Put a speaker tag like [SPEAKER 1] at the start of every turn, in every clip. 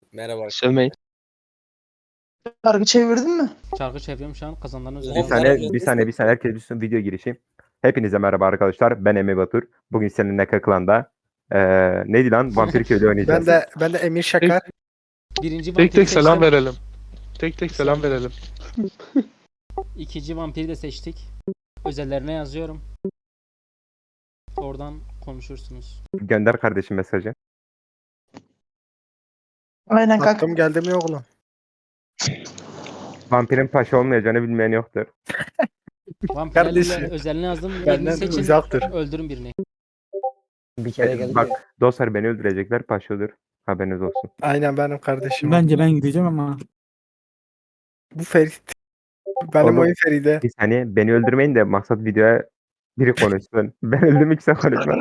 [SPEAKER 1] Merhaba.
[SPEAKER 2] Sövmeyin.
[SPEAKER 3] Kargı çevirdin mi?
[SPEAKER 4] Çarkı çeviriyorum şu an kazananların
[SPEAKER 1] Bir
[SPEAKER 4] üzerine.
[SPEAKER 1] saniye,
[SPEAKER 5] Bir saniye herkes düşsün, video girişi. Hepinize merhaba arkadaşlar. Ben Emre Batur. Bugün seninle Kaklan'da neydi lan? Vampir Köylü oynayacağız.
[SPEAKER 6] Ben de Emir Şakar.
[SPEAKER 4] Birinci
[SPEAKER 2] Tek
[SPEAKER 4] vampiri
[SPEAKER 2] tek selam
[SPEAKER 4] seçtim.
[SPEAKER 2] verelim. Tek tek selam verelim.
[SPEAKER 4] İkinci vampiri de seçtik. Özellerine yazıyorum. Oradan konuşursunuz.
[SPEAKER 5] Gönder kardeşim mesajı.
[SPEAKER 3] Aynen kanka.
[SPEAKER 6] Hakkım geldi mi oğlum?
[SPEAKER 5] Vampirin paşa olmayacağını bilmeyen yoktur.
[SPEAKER 4] Vampirlerle
[SPEAKER 6] Kardeşim.
[SPEAKER 4] özelini yazdım. Birini
[SPEAKER 6] Benden
[SPEAKER 4] seçin.
[SPEAKER 6] uzaktır.
[SPEAKER 4] Öldürün birini.
[SPEAKER 1] Bir kere geldi.
[SPEAKER 5] Bak dostlar, beni öldürecekler, paşa olur. Haberiniz olsun.
[SPEAKER 6] Aynen benim kardeşim.
[SPEAKER 7] Bence ben gideceğim ama.
[SPEAKER 6] Bu Ferit. Benim
[SPEAKER 5] Oğlum.
[SPEAKER 6] oyun Feride.
[SPEAKER 5] Bir saniye, beni öldürmeyin de maksat videoya biri konuşsun. Ben öldüm, ikisi konuşma.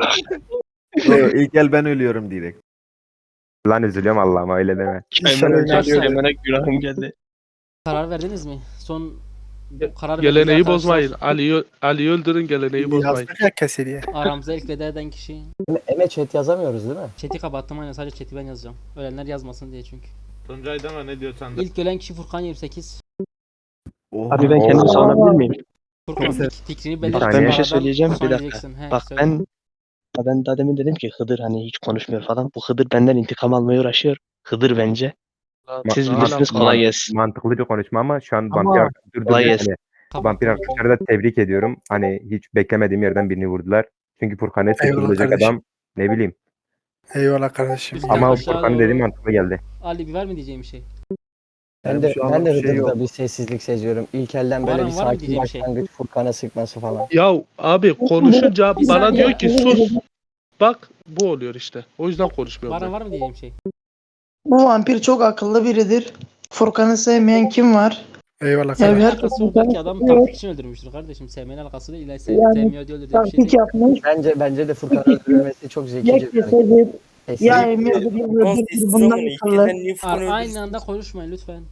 [SPEAKER 8] İlk el ben ölüyorum direkt.
[SPEAKER 5] Lan üzülüyorum Allah'ıma, öyle deme.
[SPEAKER 6] İnşallah öyle
[SPEAKER 4] Arkadaşlar,
[SPEAKER 2] Kendine günahım geldi.
[SPEAKER 4] karar verdiniz mi? Son karar
[SPEAKER 2] Geleneği
[SPEAKER 4] verdiğiniz
[SPEAKER 2] bozmayın.
[SPEAKER 4] arkadaşlar,
[SPEAKER 2] Ali'yi öldürün, geleneği bozmayın.
[SPEAKER 6] Yazdık ya keseriye.
[SPEAKER 4] aramıza ilk veda eden kişi.
[SPEAKER 1] Eme chat yazamıyoruz değil mi?
[SPEAKER 4] Chat'i kapattım, aynen sadece chat'i ben yazacağım. Ölenler yazmasın diye çünkü.
[SPEAKER 9] Tuncay deme, ne diyorsan de.
[SPEAKER 4] İlk ölen kişi Furkan 28.
[SPEAKER 2] Abi ben kendimi savunabilir miyim?
[SPEAKER 4] Furkan fikrini belirtti.
[SPEAKER 5] Bak, ben bir
[SPEAKER 2] şey söyleyeceğim,
[SPEAKER 4] Sonra
[SPEAKER 2] bir dakika.
[SPEAKER 4] diyeceksin. He,
[SPEAKER 2] Bak
[SPEAKER 4] söyle.
[SPEAKER 2] ben daha demin dedim ki Hıdır hani hiç konuşmuyor falan. Bu Hıdır benden intikam almaya uğraşıyor. Hıdır bence. Siz
[SPEAKER 5] Ma-
[SPEAKER 2] bilirsiniz, kolay gelsin.
[SPEAKER 5] Mantıklı bir konuşma ama şu an
[SPEAKER 7] Ama-
[SPEAKER 5] vampir arkadaşlar
[SPEAKER 2] Kolay gelsin.
[SPEAKER 5] vampir arkadaşları da tebrik ediyorum. Hani hiç beklemediğim yerden birini vurdular. Çünkü Furkan'ı
[SPEAKER 6] Eyvallah
[SPEAKER 5] seçilecek
[SPEAKER 6] kardeşim.
[SPEAKER 5] adam, ne bileyim.
[SPEAKER 6] Eyvallah kardeşim.
[SPEAKER 4] Biz-
[SPEAKER 5] Ama
[SPEAKER 4] aşağı
[SPEAKER 5] Furkan'ın
[SPEAKER 4] doğru-
[SPEAKER 5] dediği mantıklı geldi.
[SPEAKER 4] Ali bir var mı diyeceğim bir şey?
[SPEAKER 1] Ben de
[SPEAKER 8] şu an bir şey
[SPEAKER 1] Hıdır'da
[SPEAKER 8] yok.
[SPEAKER 1] bir sessizlik seziyorum. İlk elden böyle
[SPEAKER 4] Var
[SPEAKER 1] bir
[SPEAKER 4] mı
[SPEAKER 1] sakin
[SPEAKER 4] diyeceğim şey?
[SPEAKER 1] başlangıç, Furkan'a sıkması falan.
[SPEAKER 2] Ya abi konuşunca
[SPEAKER 4] Bir
[SPEAKER 2] bana
[SPEAKER 4] saniye.
[SPEAKER 2] diyor ki sus. Bak bu oluyor işte. O yüzden konuşmuyorum
[SPEAKER 4] Baran
[SPEAKER 2] ben.
[SPEAKER 4] var mı diyeceğim şey?
[SPEAKER 3] Bu vampir çok akıllı biridir. Furkan'ı sevmeyen kim var?
[SPEAKER 6] Eyvallah
[SPEAKER 3] Ya
[SPEAKER 6] kardeşim.
[SPEAKER 3] bir
[SPEAKER 4] Alakası
[SPEAKER 3] herkes
[SPEAKER 4] yok, belki adam taktik için öldürmüştür kardeşim. Sevmenin alakası değil. İlla
[SPEAKER 3] Yani
[SPEAKER 4] sevmiyor diye öldürdüğü bir şey
[SPEAKER 3] taktik
[SPEAKER 4] değil.
[SPEAKER 3] yapmış.
[SPEAKER 1] Bence de Furkan'ın öldürülmesi çok zekice
[SPEAKER 3] Ya
[SPEAKER 1] bir hareket.
[SPEAKER 3] kesedir.
[SPEAKER 1] Sessiz.
[SPEAKER 3] Ya Emir'dir. Ya Ödül'dür. Bundan akıllı.
[SPEAKER 4] Aynı anda konuşmayın lütfen.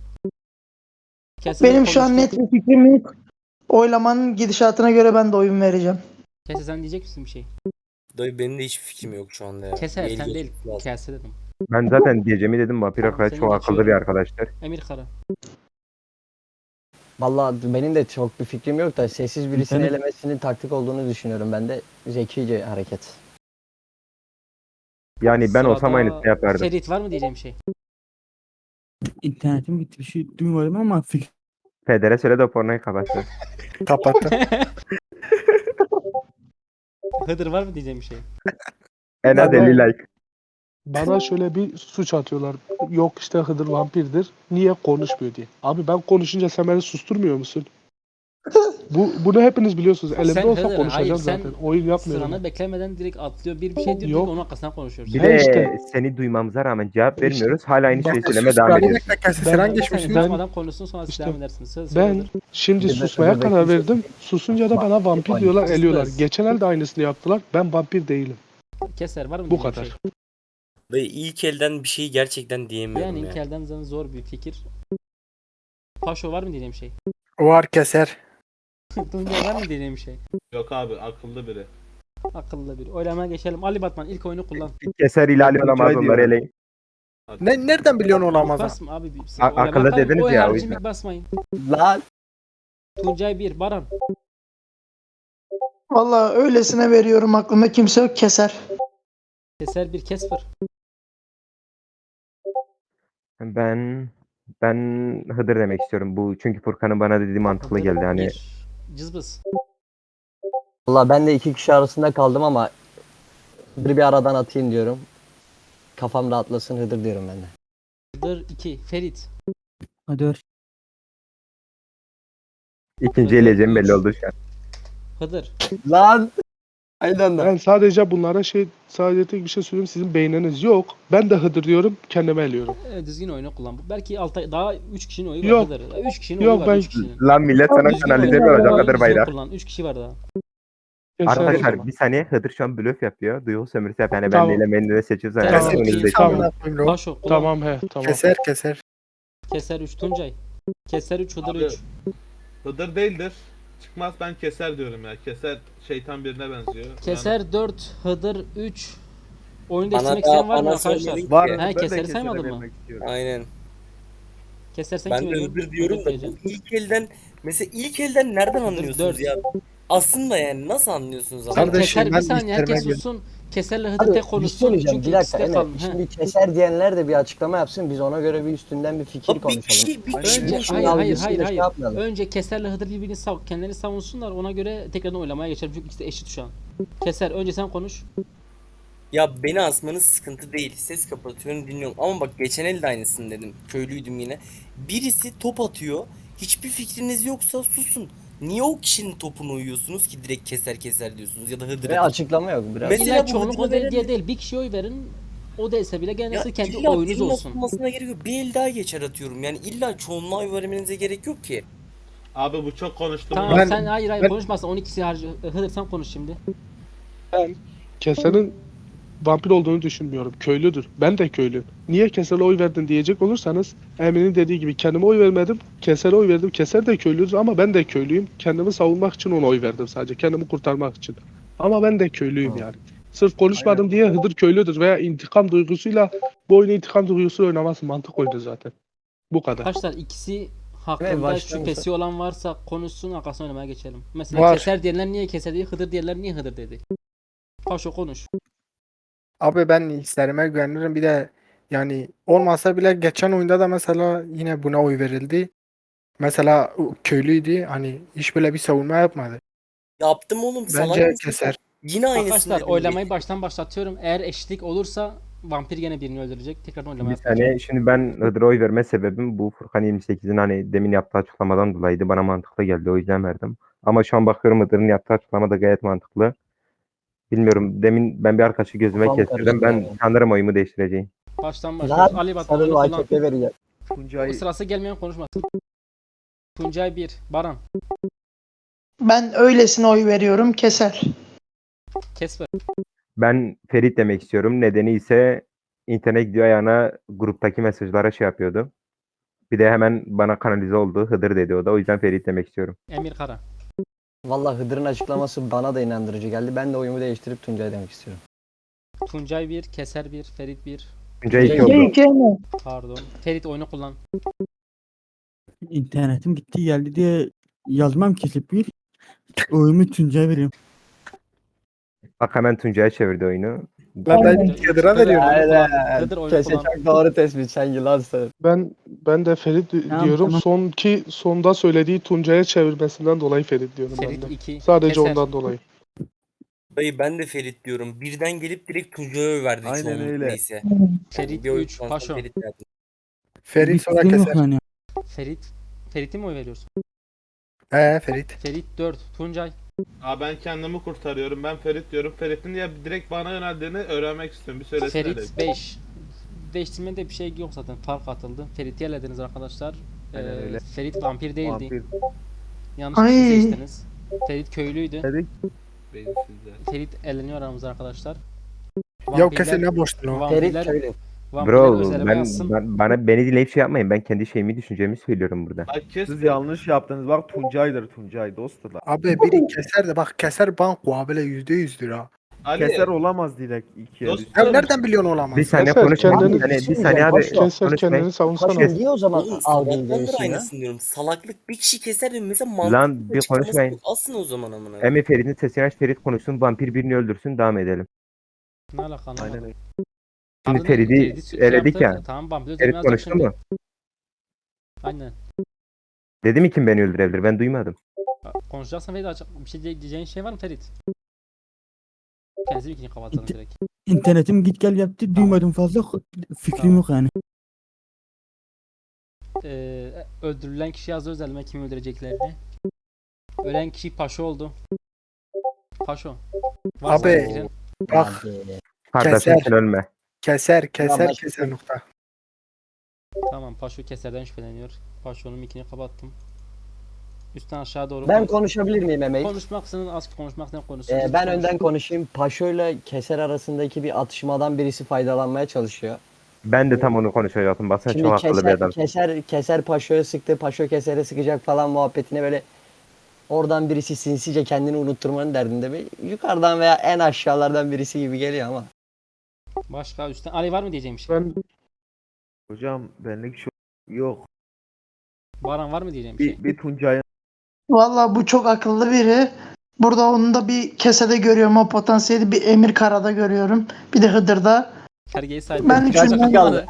[SPEAKER 4] Kesin
[SPEAKER 3] Benim şu an net bir fikrim yok. Oylamanın gidişatına göre ben de oyun vereceğim.
[SPEAKER 4] Kese sen diyecek misin bir şey?
[SPEAKER 10] Dayı benim de hiçbir fikrim yok şu anda ya.
[SPEAKER 4] Kese
[SPEAKER 10] Bir el
[SPEAKER 4] sen değil.
[SPEAKER 10] geçmesi lazım.
[SPEAKER 4] Kese dedim.
[SPEAKER 5] Ben zaten diyeceğimi dedim, vampir
[SPEAKER 4] Tamam,
[SPEAKER 5] arkadaş
[SPEAKER 4] seni
[SPEAKER 5] çok akıllı bir
[SPEAKER 4] geçiyorum.
[SPEAKER 5] arkadaştır.
[SPEAKER 4] Emir Kara.
[SPEAKER 1] Vallahi benim de çok bir fikrim yok da sessiz birisini
[SPEAKER 7] Benim-
[SPEAKER 1] elemesinin taktik olduğunu düşünüyorum ben de. Zekice hareket.
[SPEAKER 5] Yani ben olsam
[SPEAKER 4] Sırada
[SPEAKER 5] aynısını yapardım.
[SPEAKER 4] Ferit var mı diyeceğim şey?
[SPEAKER 7] İnternetim gitti, bir şey duymadım ama fikir.
[SPEAKER 5] Federe söyle de pornoyu kapatsın.
[SPEAKER 6] Kapattım.
[SPEAKER 4] Hıdır var mı diyeceğim şey?
[SPEAKER 5] En az 50 like.
[SPEAKER 2] Bana şöyle bir suç atıyorlar. Yok işte Hıdır vampirdir. Niye konuşmuyor diye. Abi ben konuşunca sen beni susturmuyor musun? Bunu hepiniz biliyorsunuz. Elimde
[SPEAKER 4] Sen
[SPEAKER 2] olsa
[SPEAKER 4] Hıdır,
[SPEAKER 2] konuşacağım
[SPEAKER 4] hayır, sen
[SPEAKER 2] zaten. Oyun yapmıyorum.
[SPEAKER 4] Sıranı beklemeden direkt atlıyor. Bir şey diyor.
[SPEAKER 2] Yok.
[SPEAKER 4] Onun arkasından konuşuyoruz.
[SPEAKER 5] Bir
[SPEAKER 2] He
[SPEAKER 5] de
[SPEAKER 2] işte.
[SPEAKER 5] seni duymamıza rağmen cevap vermiyoruz. Hala aynı şeyi
[SPEAKER 6] Bak,
[SPEAKER 5] söylemeye
[SPEAKER 6] sus,
[SPEAKER 5] devam
[SPEAKER 6] bir
[SPEAKER 5] ediyoruz.
[SPEAKER 6] dakika, sen
[SPEAKER 2] Ben-
[SPEAKER 6] geçmişsin.
[SPEAKER 2] ben-
[SPEAKER 4] Susmadan konuşsun sonra siz
[SPEAKER 2] İşte
[SPEAKER 4] devam edersiniz. Söz
[SPEAKER 2] Ben
[SPEAKER 4] Hıdır.
[SPEAKER 2] şimdi
[SPEAKER 1] Bir de
[SPEAKER 2] susmaya
[SPEAKER 1] Hıdır'daki
[SPEAKER 2] karar
[SPEAKER 1] şey-
[SPEAKER 2] verdim. Susunca da bana vampir diyorlar,
[SPEAKER 4] Kız
[SPEAKER 2] eliyorlar.
[SPEAKER 4] kız.
[SPEAKER 2] Geçen el de aynısını yaptılar. Ben vampir değilim.
[SPEAKER 4] Keser var mı
[SPEAKER 2] Bu
[SPEAKER 4] diyeceğim
[SPEAKER 2] kadar.
[SPEAKER 4] şey?
[SPEAKER 10] Dayı ilk elden bir şeyi gerçekten diyemiyorum
[SPEAKER 4] Yani
[SPEAKER 10] ya.
[SPEAKER 4] ilk elden zaten zor bir fikir. Paşo var mı diyeceğim şey?
[SPEAKER 6] Var keser.
[SPEAKER 4] Tuncay var mı diyeceğim şey?
[SPEAKER 9] Yok abi, akıllı biri.
[SPEAKER 4] Akıllı bir. Oylamaya geçelim. Ali Batman ilk oyunu kullan.
[SPEAKER 5] Keser ihlali olamaz,
[SPEAKER 8] Tuncay
[SPEAKER 5] onları
[SPEAKER 8] diyorum.
[SPEAKER 5] eleyin.
[SPEAKER 9] Hadi.
[SPEAKER 6] Nereden biliyorsun olamaz?
[SPEAKER 4] Basma abi.
[SPEAKER 5] Akıllı dediniz
[SPEAKER 4] Oy
[SPEAKER 5] ya, o
[SPEAKER 4] harici
[SPEAKER 5] yüzden.
[SPEAKER 4] mik basmayın.
[SPEAKER 1] Lan!
[SPEAKER 4] Tuncay 1. Baran.
[SPEAKER 3] Vallahi öylesine veriyorum, aklımda kimse yok, keser.
[SPEAKER 4] Keser 1. Kesper.
[SPEAKER 5] Ben Hıdır demek istiyorum. Bu çünkü Furkan'ın bana dediği mantıklı geldi. Hani
[SPEAKER 4] 1. Cızbız.
[SPEAKER 1] Vallahi ben de iki kişi arasında kaldım ama bir aradan atayım diyorum. Kafam rahatlasın Hıdır diyorum ben de.
[SPEAKER 4] Hıdır 2. Ferit.
[SPEAKER 7] Hadi ör.
[SPEAKER 5] ikinci eleyeceğim belli oldu şu an.
[SPEAKER 4] Hıdır.
[SPEAKER 1] Lan! Aynen de.
[SPEAKER 2] Ben sadece bunlara sadece tek bir şey söyleyeyim. Sizin beyniniz yok. Ben de Hıdır diyorum, kendime eliyorum.
[SPEAKER 4] Düzgün oyunu kullan. Belki daha 3 kişinin oyu var
[SPEAKER 2] Yok.
[SPEAKER 4] Hıdır. 3 kişinin
[SPEAKER 2] Yok,
[SPEAKER 4] oyu var.
[SPEAKER 2] ben-
[SPEAKER 4] 3 kişinin.
[SPEAKER 5] Lan millet sana
[SPEAKER 4] Düzgün
[SPEAKER 5] kanalize
[SPEAKER 4] oyunu
[SPEAKER 5] mi olacak
[SPEAKER 4] kullan,
[SPEAKER 5] Hıdır
[SPEAKER 4] düzgün
[SPEAKER 5] bayrağı?
[SPEAKER 4] kullan. 3 kişi var daha.
[SPEAKER 2] Keser o
[SPEAKER 5] Arkadaşlar
[SPEAKER 2] zaman.
[SPEAKER 5] bir saniye, Hıdır şu an blöf yapıyor. Duygu sömürüsü yap. Yani ben
[SPEAKER 2] Tamam.
[SPEAKER 5] de elemeni de seçiyoruz.
[SPEAKER 4] Tamam.
[SPEAKER 5] Yani
[SPEAKER 6] Keser.
[SPEAKER 5] önünüzdeki.
[SPEAKER 2] Tamam.
[SPEAKER 4] Paşo kullan.
[SPEAKER 2] Tamam he, tamam.
[SPEAKER 6] Keser.
[SPEAKER 4] Keser 3. Tuncay. Keser 3. Hıdır
[SPEAKER 9] Abi,
[SPEAKER 4] 3.
[SPEAKER 9] Hıdır değildir. Çıkmaz, ben keser diyorum ya. Keser şeytan birine benziyor.
[SPEAKER 4] Keser 4. Hıdır 3. Oyunu
[SPEAKER 10] Bana
[SPEAKER 4] değiştirmek
[SPEAKER 10] da
[SPEAKER 4] isteyen var mı
[SPEAKER 10] bana
[SPEAKER 4] arkadaşlar?
[SPEAKER 10] sormadın
[SPEAKER 8] Var.
[SPEAKER 10] ki.
[SPEAKER 4] He,
[SPEAKER 8] Ben de
[SPEAKER 4] Keser'i
[SPEAKER 8] Keser'e
[SPEAKER 4] saymadın mı?
[SPEAKER 8] vermek istiyorum.
[SPEAKER 10] Aynen.
[SPEAKER 4] Keser sen
[SPEAKER 10] Ben
[SPEAKER 4] kim
[SPEAKER 10] de
[SPEAKER 4] veriyorsun?
[SPEAKER 10] Hıdır diyorum da
[SPEAKER 4] diyeceğim.
[SPEAKER 10] bu ilk elden mesela ilk elden nereden
[SPEAKER 4] Hıdır
[SPEAKER 10] anlıyorsunuz
[SPEAKER 4] 4.
[SPEAKER 10] ya? Aslında yani nasıl anlıyorsunuz
[SPEAKER 4] Sen
[SPEAKER 10] ama?
[SPEAKER 6] Kardeşim,
[SPEAKER 4] Keser bir
[SPEAKER 6] ben
[SPEAKER 4] saniye herkes
[SPEAKER 6] işlerime
[SPEAKER 4] sussun. Keserle Hıdır
[SPEAKER 1] Abi
[SPEAKER 4] tek
[SPEAKER 1] bir şey
[SPEAKER 4] konuşsun
[SPEAKER 1] söyleyeceğim.
[SPEAKER 4] çünkü
[SPEAKER 1] Bir
[SPEAKER 4] ikisi
[SPEAKER 1] dakika
[SPEAKER 4] de
[SPEAKER 1] Emre.
[SPEAKER 4] kalın. He.
[SPEAKER 1] Şimdi keser diyenler de bir açıklama yapsın. Biz ona göre bir üstünden bir fikir
[SPEAKER 10] Abi bir
[SPEAKER 1] konuşalım.
[SPEAKER 10] kişi
[SPEAKER 8] Aynen
[SPEAKER 10] kişi
[SPEAKER 8] öyle.
[SPEAKER 1] Şimdi
[SPEAKER 10] konuşuyor.
[SPEAKER 1] algısıyla şey yapmayalım.
[SPEAKER 4] Önce Keser'le Hıdır birbirini kendilerini savunsunlar. Ona göre tekrardan oylamaya geçelim. Çünkü ikisi de eşit şu an. Keser önce sen konuş.
[SPEAKER 10] Ya beni asmanız sıkıntı değil. Ses kapatıyorum dinliyorum. Ama bak geçen el de aynısını dedim. Köylüydüm yine. Birisi top atıyor. Hiçbir fikriniz yoksa susun. Niye o kişinin topunu uyuyorsunuz ki direkt keser diyorsunuz ya da Hıdır
[SPEAKER 1] Ve
[SPEAKER 10] Hıdır.
[SPEAKER 1] açıklama yok biraz.
[SPEAKER 10] Mesela
[SPEAKER 4] İlla
[SPEAKER 10] bu
[SPEAKER 4] çoğunluk o
[SPEAKER 10] Hıdır'a
[SPEAKER 4] değil diye
[SPEAKER 10] veren-
[SPEAKER 4] değil. Bir kişiye oy verin. O değilse bile gene
[SPEAKER 10] Ya
[SPEAKER 4] siz kendi
[SPEAKER 10] illa
[SPEAKER 4] oyunuz
[SPEAKER 10] birinin
[SPEAKER 4] olsun.
[SPEAKER 10] asılmasına gerek yok. Bir el daha geçer atıyorum. Yani illa çoğunluğa oy vermenize gerek yok ki.
[SPEAKER 9] Abi bu çok konuştu.
[SPEAKER 4] Tamam
[SPEAKER 6] Ben-
[SPEAKER 4] sen hayır
[SPEAKER 6] ben-
[SPEAKER 4] konuşmazsan 12'si harcı. Hıdır sen konuş şimdi.
[SPEAKER 2] Keser'in vampir olduğunu düşünmüyorum. Köylüdür. Ben de köylüyüm. Niye Keser'e oy verdin diyecek olursanız Emin'in dediği gibi kendime oy vermedim. Keser'e oy verdim. Keser de köylüdür ama ben de köylüyüm. Kendimi savunmak için ona oy verdim sadece. Kendimi kurtarmak için. Ama ben de köylüyüm yani. Sırf konuşmadım diye Hıdır köylüdür veya intikam duygusuyla bu oyunu intikam duygusuyla oynaması mantık oyunu zaten. Bu kadar.
[SPEAKER 4] Arkadaşlar ikisi
[SPEAKER 1] Evet,
[SPEAKER 4] hakkında
[SPEAKER 1] baştan
[SPEAKER 4] şüphesi olan varsa konuşsun arkasına oynamaya geçelim. Mesela
[SPEAKER 6] Var.
[SPEAKER 4] Keser diyenler niye Keser dedi, Hıdır diyenler niye Hıdır dedi. Paşo konuş.
[SPEAKER 6] Abi ben hislerime güvenirim. Bir de yani olmasa bile geçen oyunda da mesela yine buna oy verildi. Mesela o köylüydü. Hani hiç böyle bir savunma yapmadı.
[SPEAKER 10] Yaptım oğlum salak
[SPEAKER 6] Bence
[SPEAKER 10] mısın?
[SPEAKER 6] keser.
[SPEAKER 10] Yine aynısını
[SPEAKER 4] Arkadaşlar
[SPEAKER 10] dedim.
[SPEAKER 4] oylamayı baştan başlatıyorum. Eğer eşitlik olursa vampir gene birini öldürecek. Tekrardan oylama
[SPEAKER 5] Bir
[SPEAKER 4] yapacağım.
[SPEAKER 5] saniye. Şimdi ben Hıdır'a oy verme sebebim bu Furkan 28'in hani demin yaptığı açıklamadan dolayıydı. Bana mantıklı geldi. O yüzden verdim. Ama şu an bakıyorum Hıdır'ın yaptığı açıklama da gayet mantıklı. Bilmiyorum. Demin ben bir arkadaşı gözüme
[SPEAKER 1] Kafam
[SPEAKER 5] kestirdim.
[SPEAKER 1] karıştı
[SPEAKER 5] Ben
[SPEAKER 1] yani.
[SPEAKER 5] sanırım oyumu değiştireceğim.
[SPEAKER 4] Baştan başlıyoruz. Ali Batuhan
[SPEAKER 1] Sarılı
[SPEAKER 4] oyunu kullan.
[SPEAKER 1] AKP vereceğim.
[SPEAKER 8] Tuncay
[SPEAKER 4] Sırası gelmeyen konuşmasın. Tuncay 1. Baran.
[SPEAKER 3] Ben öylesine oy veriyorum. Keser.
[SPEAKER 4] Kesper.
[SPEAKER 5] Ben Ferit demek istiyorum. Nedeni ise internet gidiyor ayağına gruptaki mesajlara şey yapıyordu. Bir de hemen bana kanalize oldu. Hıdır dedi o da. O yüzden Ferit demek istiyorum.
[SPEAKER 4] Emir Kara.
[SPEAKER 1] Vallahi Hıdır'ın açıklaması bana da inandırıcı geldi. Ben de oyumu değiştirip Tuncay demek istiyorum.
[SPEAKER 4] Tuncay 1. Keser 1. Ferit 1.
[SPEAKER 5] Tuncay 2
[SPEAKER 1] İki
[SPEAKER 5] oldu.
[SPEAKER 3] İki mi?
[SPEAKER 4] Pardon. Ferit oyunu kullan.
[SPEAKER 7] İnternetim gitti geldi diye yazmam kesip bir oyumu Tuncay'a veriyorum.
[SPEAKER 5] Bak hemen Tuncay'a çevirdi oyunu.
[SPEAKER 6] Ben
[SPEAKER 3] Aynen.
[SPEAKER 6] Hıdır'a veriyorum.
[SPEAKER 4] Oyunu kullan.
[SPEAKER 1] Aynen.
[SPEAKER 4] Hıdır oyunu
[SPEAKER 1] Kese
[SPEAKER 4] kullan.
[SPEAKER 1] çok doğru tespit. Sen yılansın.
[SPEAKER 2] Ben de Ferit
[SPEAKER 7] Tamam,
[SPEAKER 2] diyorum.
[SPEAKER 7] tamam.
[SPEAKER 2] Sonda söylediği Tuncay'a çevirmesinden dolayı Ferit diyorum ben
[SPEAKER 4] Ferit
[SPEAKER 2] de.
[SPEAKER 4] 2.
[SPEAKER 2] Sadece
[SPEAKER 4] Keser.
[SPEAKER 2] ondan dolayı.
[SPEAKER 10] Dayı ben de Ferit diyorum. Birden gelip direkt Tuncay'a oy verdi
[SPEAKER 8] Aynen
[SPEAKER 10] çoğunluk
[SPEAKER 8] öyle.
[SPEAKER 10] neyse.
[SPEAKER 4] Ferit
[SPEAKER 10] Bir oy
[SPEAKER 4] 3.
[SPEAKER 10] kullansam
[SPEAKER 4] Paşo.
[SPEAKER 10] Ferit derdim.
[SPEAKER 6] Ferit sonra
[SPEAKER 7] fikrim yok
[SPEAKER 6] keser.
[SPEAKER 7] yani.
[SPEAKER 4] Ferit'e mi oy veriyorsun?
[SPEAKER 6] Ferit.
[SPEAKER 4] Ferit 4. Tuncay.
[SPEAKER 9] Abi ben kendimi kurtarıyorum. Ben Ferit diyorum. Ferit'in ya direkt bana yöneldiğini öğrenmek istiyorum. Bir söylesene.
[SPEAKER 4] Ferit 5. Değiştirmede bir şey yok zaten. Fark atıldı. Ferit'i elediniz arkadaşlar.
[SPEAKER 8] Aynen öyle.
[SPEAKER 4] Ferit vampir değildi.
[SPEAKER 8] vampir
[SPEAKER 4] Yanlış
[SPEAKER 3] Ay.
[SPEAKER 4] kişi seçtiniz. Ferit köylüydü.
[SPEAKER 8] dedik.
[SPEAKER 9] Beyinsizler.
[SPEAKER 4] Ferit eleniyor aramızda arkadaşlar.
[SPEAKER 6] Ya kesin ne boştun o.
[SPEAKER 1] Ferit
[SPEAKER 4] Vampirler,
[SPEAKER 1] köylü.
[SPEAKER 4] vampirler
[SPEAKER 5] Bro
[SPEAKER 4] özelime yazsın.
[SPEAKER 5] beni dinleyip şey yapmayın. Ben kendi şeyimi düşüncemi söylüyorum burada.
[SPEAKER 9] Bak kes.
[SPEAKER 8] Siz yanlış yaptınız. Bak Tuncay'dır Tuncay dostlar.
[SPEAKER 6] Abi biri keser de bak keser banko abiyle %100'dür ha.
[SPEAKER 9] Ali.
[SPEAKER 8] Keser olamaz direkt ikiye
[SPEAKER 9] Dostum.
[SPEAKER 8] düştü.
[SPEAKER 6] Ya nereden biliyorsun olamaz?
[SPEAKER 5] Bir saniye
[SPEAKER 2] Keser,
[SPEAKER 5] konuşmayın.
[SPEAKER 2] kendini-
[SPEAKER 5] Bir saniye abi.
[SPEAKER 1] Keser,
[SPEAKER 2] Keser kendini
[SPEAKER 5] Konuşmayın.
[SPEAKER 2] savunsana.
[SPEAKER 1] Paşa niye o zaman
[SPEAKER 10] Oğlum
[SPEAKER 1] algıyı
[SPEAKER 10] sabahtandır
[SPEAKER 1] değişsin ya?
[SPEAKER 10] aynısını diyorum. Salaklık bir kişi keser de mesela
[SPEAKER 5] Lan
[SPEAKER 10] mantıklı
[SPEAKER 5] bir
[SPEAKER 10] açıklaması
[SPEAKER 5] konuşmayın.
[SPEAKER 10] yok. Asın o zaman amına.
[SPEAKER 5] Emi Ferit'in sesini aç. Ferit konuşsun. Vampir birini öldürsün. Devam edelim.
[SPEAKER 4] Ne alaka
[SPEAKER 8] Aynen
[SPEAKER 4] anlamadım.
[SPEAKER 8] öyle.
[SPEAKER 5] Şimdi
[SPEAKER 4] Ardından
[SPEAKER 5] Ferit'i
[SPEAKER 4] şey
[SPEAKER 5] eledik
[SPEAKER 4] yaptı.
[SPEAKER 5] ya.
[SPEAKER 4] Tamam vampir
[SPEAKER 5] Ferit
[SPEAKER 4] özelime yazacak
[SPEAKER 5] konuştu
[SPEAKER 4] şimdi.
[SPEAKER 5] mu?
[SPEAKER 4] Aynen.
[SPEAKER 5] Dedi mi kim beni öldürebilir? Ben duymadım.
[SPEAKER 4] Konuşacaksan Ferit bir şey diyeceğin şey var mı Ferit? Kendisi ikini kapatalım
[SPEAKER 7] İnte-
[SPEAKER 4] direkt.
[SPEAKER 7] İnternetim git gel yaptı duymadım fazla fikrim
[SPEAKER 4] Tamam.
[SPEAKER 7] yok yani.
[SPEAKER 4] Öldürülen kişi yazdı özelime kimi öldüreceklerini. Ölen kişi Paşo oldu. Paşo. Varsa
[SPEAKER 6] Abi,
[SPEAKER 4] fikrin.
[SPEAKER 6] Bak
[SPEAKER 1] Abi.
[SPEAKER 5] Kardeşim
[SPEAKER 6] Keser.
[SPEAKER 5] sen ölme.
[SPEAKER 6] keser
[SPEAKER 1] Vallahi
[SPEAKER 6] keser nokta.
[SPEAKER 4] Tamam Paşo Keser'den şüpheleniyor. Paşo'nun mikini kapattım. Üstten aşağı doğru
[SPEAKER 1] Ben konuşabilir miyim Emeği?
[SPEAKER 4] konuşmak senin az konuşmak senin konuşsun.
[SPEAKER 1] Ben önden konuşayım. Paşo ile Keser arasındaki bir atışmadan birisi faydalanmaya çalışıyor.
[SPEAKER 5] Ben de tam onu konuşacaktım. Baksana
[SPEAKER 1] Şimdi
[SPEAKER 5] çok akıllı bir adam.
[SPEAKER 1] Keser Paşo'ya sıktı. Paşo Keser'e sıkacak falan muhabbetine böyle oradan birisi sinsice kendini unutturmanın derdinde bir yukarıdan veya en aşağılardan birisi gibi geliyor ama.
[SPEAKER 4] Başka üstten Ali var mı diyeceğim bir şey?
[SPEAKER 2] Ben
[SPEAKER 8] Hocam benlik şu yok.
[SPEAKER 4] Baran var mı diyeceğim bir şey?
[SPEAKER 8] Bir Tuncay'ın
[SPEAKER 3] Valla bu çok akıllı biri. Burada onu da bir kesede görüyorum o potansiyeli. Bir Emir Kara'da görüyorum. Bir de Hıdır'da.
[SPEAKER 4] Sergeyi saydım.
[SPEAKER 3] Ben
[SPEAKER 1] Kaç
[SPEAKER 3] üçünden
[SPEAKER 1] kaldı?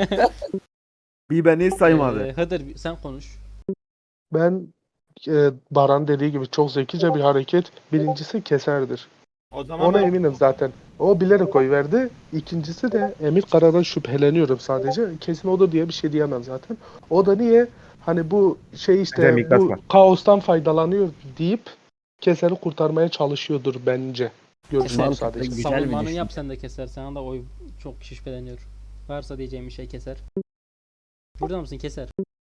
[SPEAKER 8] bir beni saymadı.
[SPEAKER 4] Hıdır sen konuş.
[SPEAKER 2] ben Baran dediği gibi çok zekice bir hareket. Birincisi keserdir.
[SPEAKER 9] O zaman
[SPEAKER 2] Ona
[SPEAKER 9] ben
[SPEAKER 2] eminim zaten. O bilerek oy verdi. İkincisi de Emir Kara'dan şüpheleniyorum sadece. Kesin odur diye bir şey diyemem zaten. O da niye? Hani bu şey işte
[SPEAKER 5] Bence Miklas
[SPEAKER 2] bu
[SPEAKER 5] var.
[SPEAKER 2] kaostan faydalanıyor deyip Keser'i kurtarmaya çalışıyordur bence. Görüşüm
[SPEAKER 1] Mantıklı,
[SPEAKER 2] sadece.
[SPEAKER 1] güzel bir
[SPEAKER 4] Savunmanı
[SPEAKER 1] düşünce.
[SPEAKER 4] yap sen de keser. Sana da oy çok şüpheleniyor. Varsa diyeceğim bir şey keser. Burada mısın keser?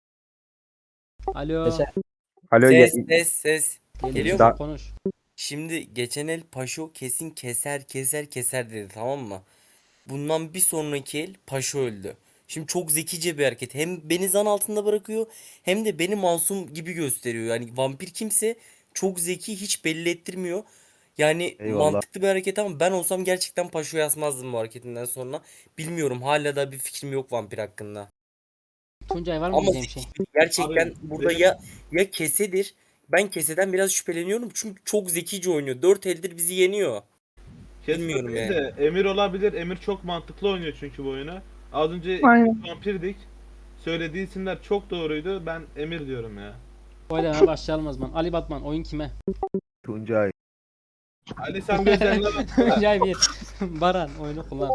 [SPEAKER 4] Alo.
[SPEAKER 1] Keser.
[SPEAKER 5] Alo
[SPEAKER 10] Ses. Geliyor
[SPEAKER 4] musun?
[SPEAKER 5] Da-
[SPEAKER 4] Konuş.
[SPEAKER 10] Şimdi geçen el Paşo kesin keser dedi, tamam mı? Bundan bir sonraki el Paşo öldü. Şimdi çok zekice bir hareket. Hem beni zan altında bırakıyor hem de beni masum gibi gösteriyor. Yani vampir kimse çok zeki, hiç belli ettirmiyor. Yani
[SPEAKER 8] Eyvallah.
[SPEAKER 10] mantıklı bir hareket ama ben olsam gerçekten Paşo'yu asmazdım bu hareketinden sonra. Bilmiyorum, hala da bir fikrim yok vampir hakkında.
[SPEAKER 4] Tuncay var mı
[SPEAKER 10] Ama
[SPEAKER 4] diyeceğim bir şey?
[SPEAKER 10] gerçekten
[SPEAKER 9] Abi,
[SPEAKER 10] burada
[SPEAKER 9] benim-
[SPEAKER 10] ya kesedir. Ben keseden biraz şüpheleniyorum çünkü çok zekice oynuyor. 4 eldir bizi yeniyor. Bilmiyorum
[SPEAKER 9] Kesme değil
[SPEAKER 10] yani.
[SPEAKER 9] de Emir olabilir. Emir çok mantıklı oynuyor çünkü bu oyunu. Az önce
[SPEAKER 3] Aynen.
[SPEAKER 9] vampirdik. Söylediği isimler çok doğruydu. Ben Emir diyorum ya.
[SPEAKER 4] Oylamaya başlayalım o zaman. Ali Batman oyun kime?
[SPEAKER 8] Tuncay.
[SPEAKER 9] Ali sen gözlerine bak.
[SPEAKER 4] Tuncay 1. Baran oyunu kullan.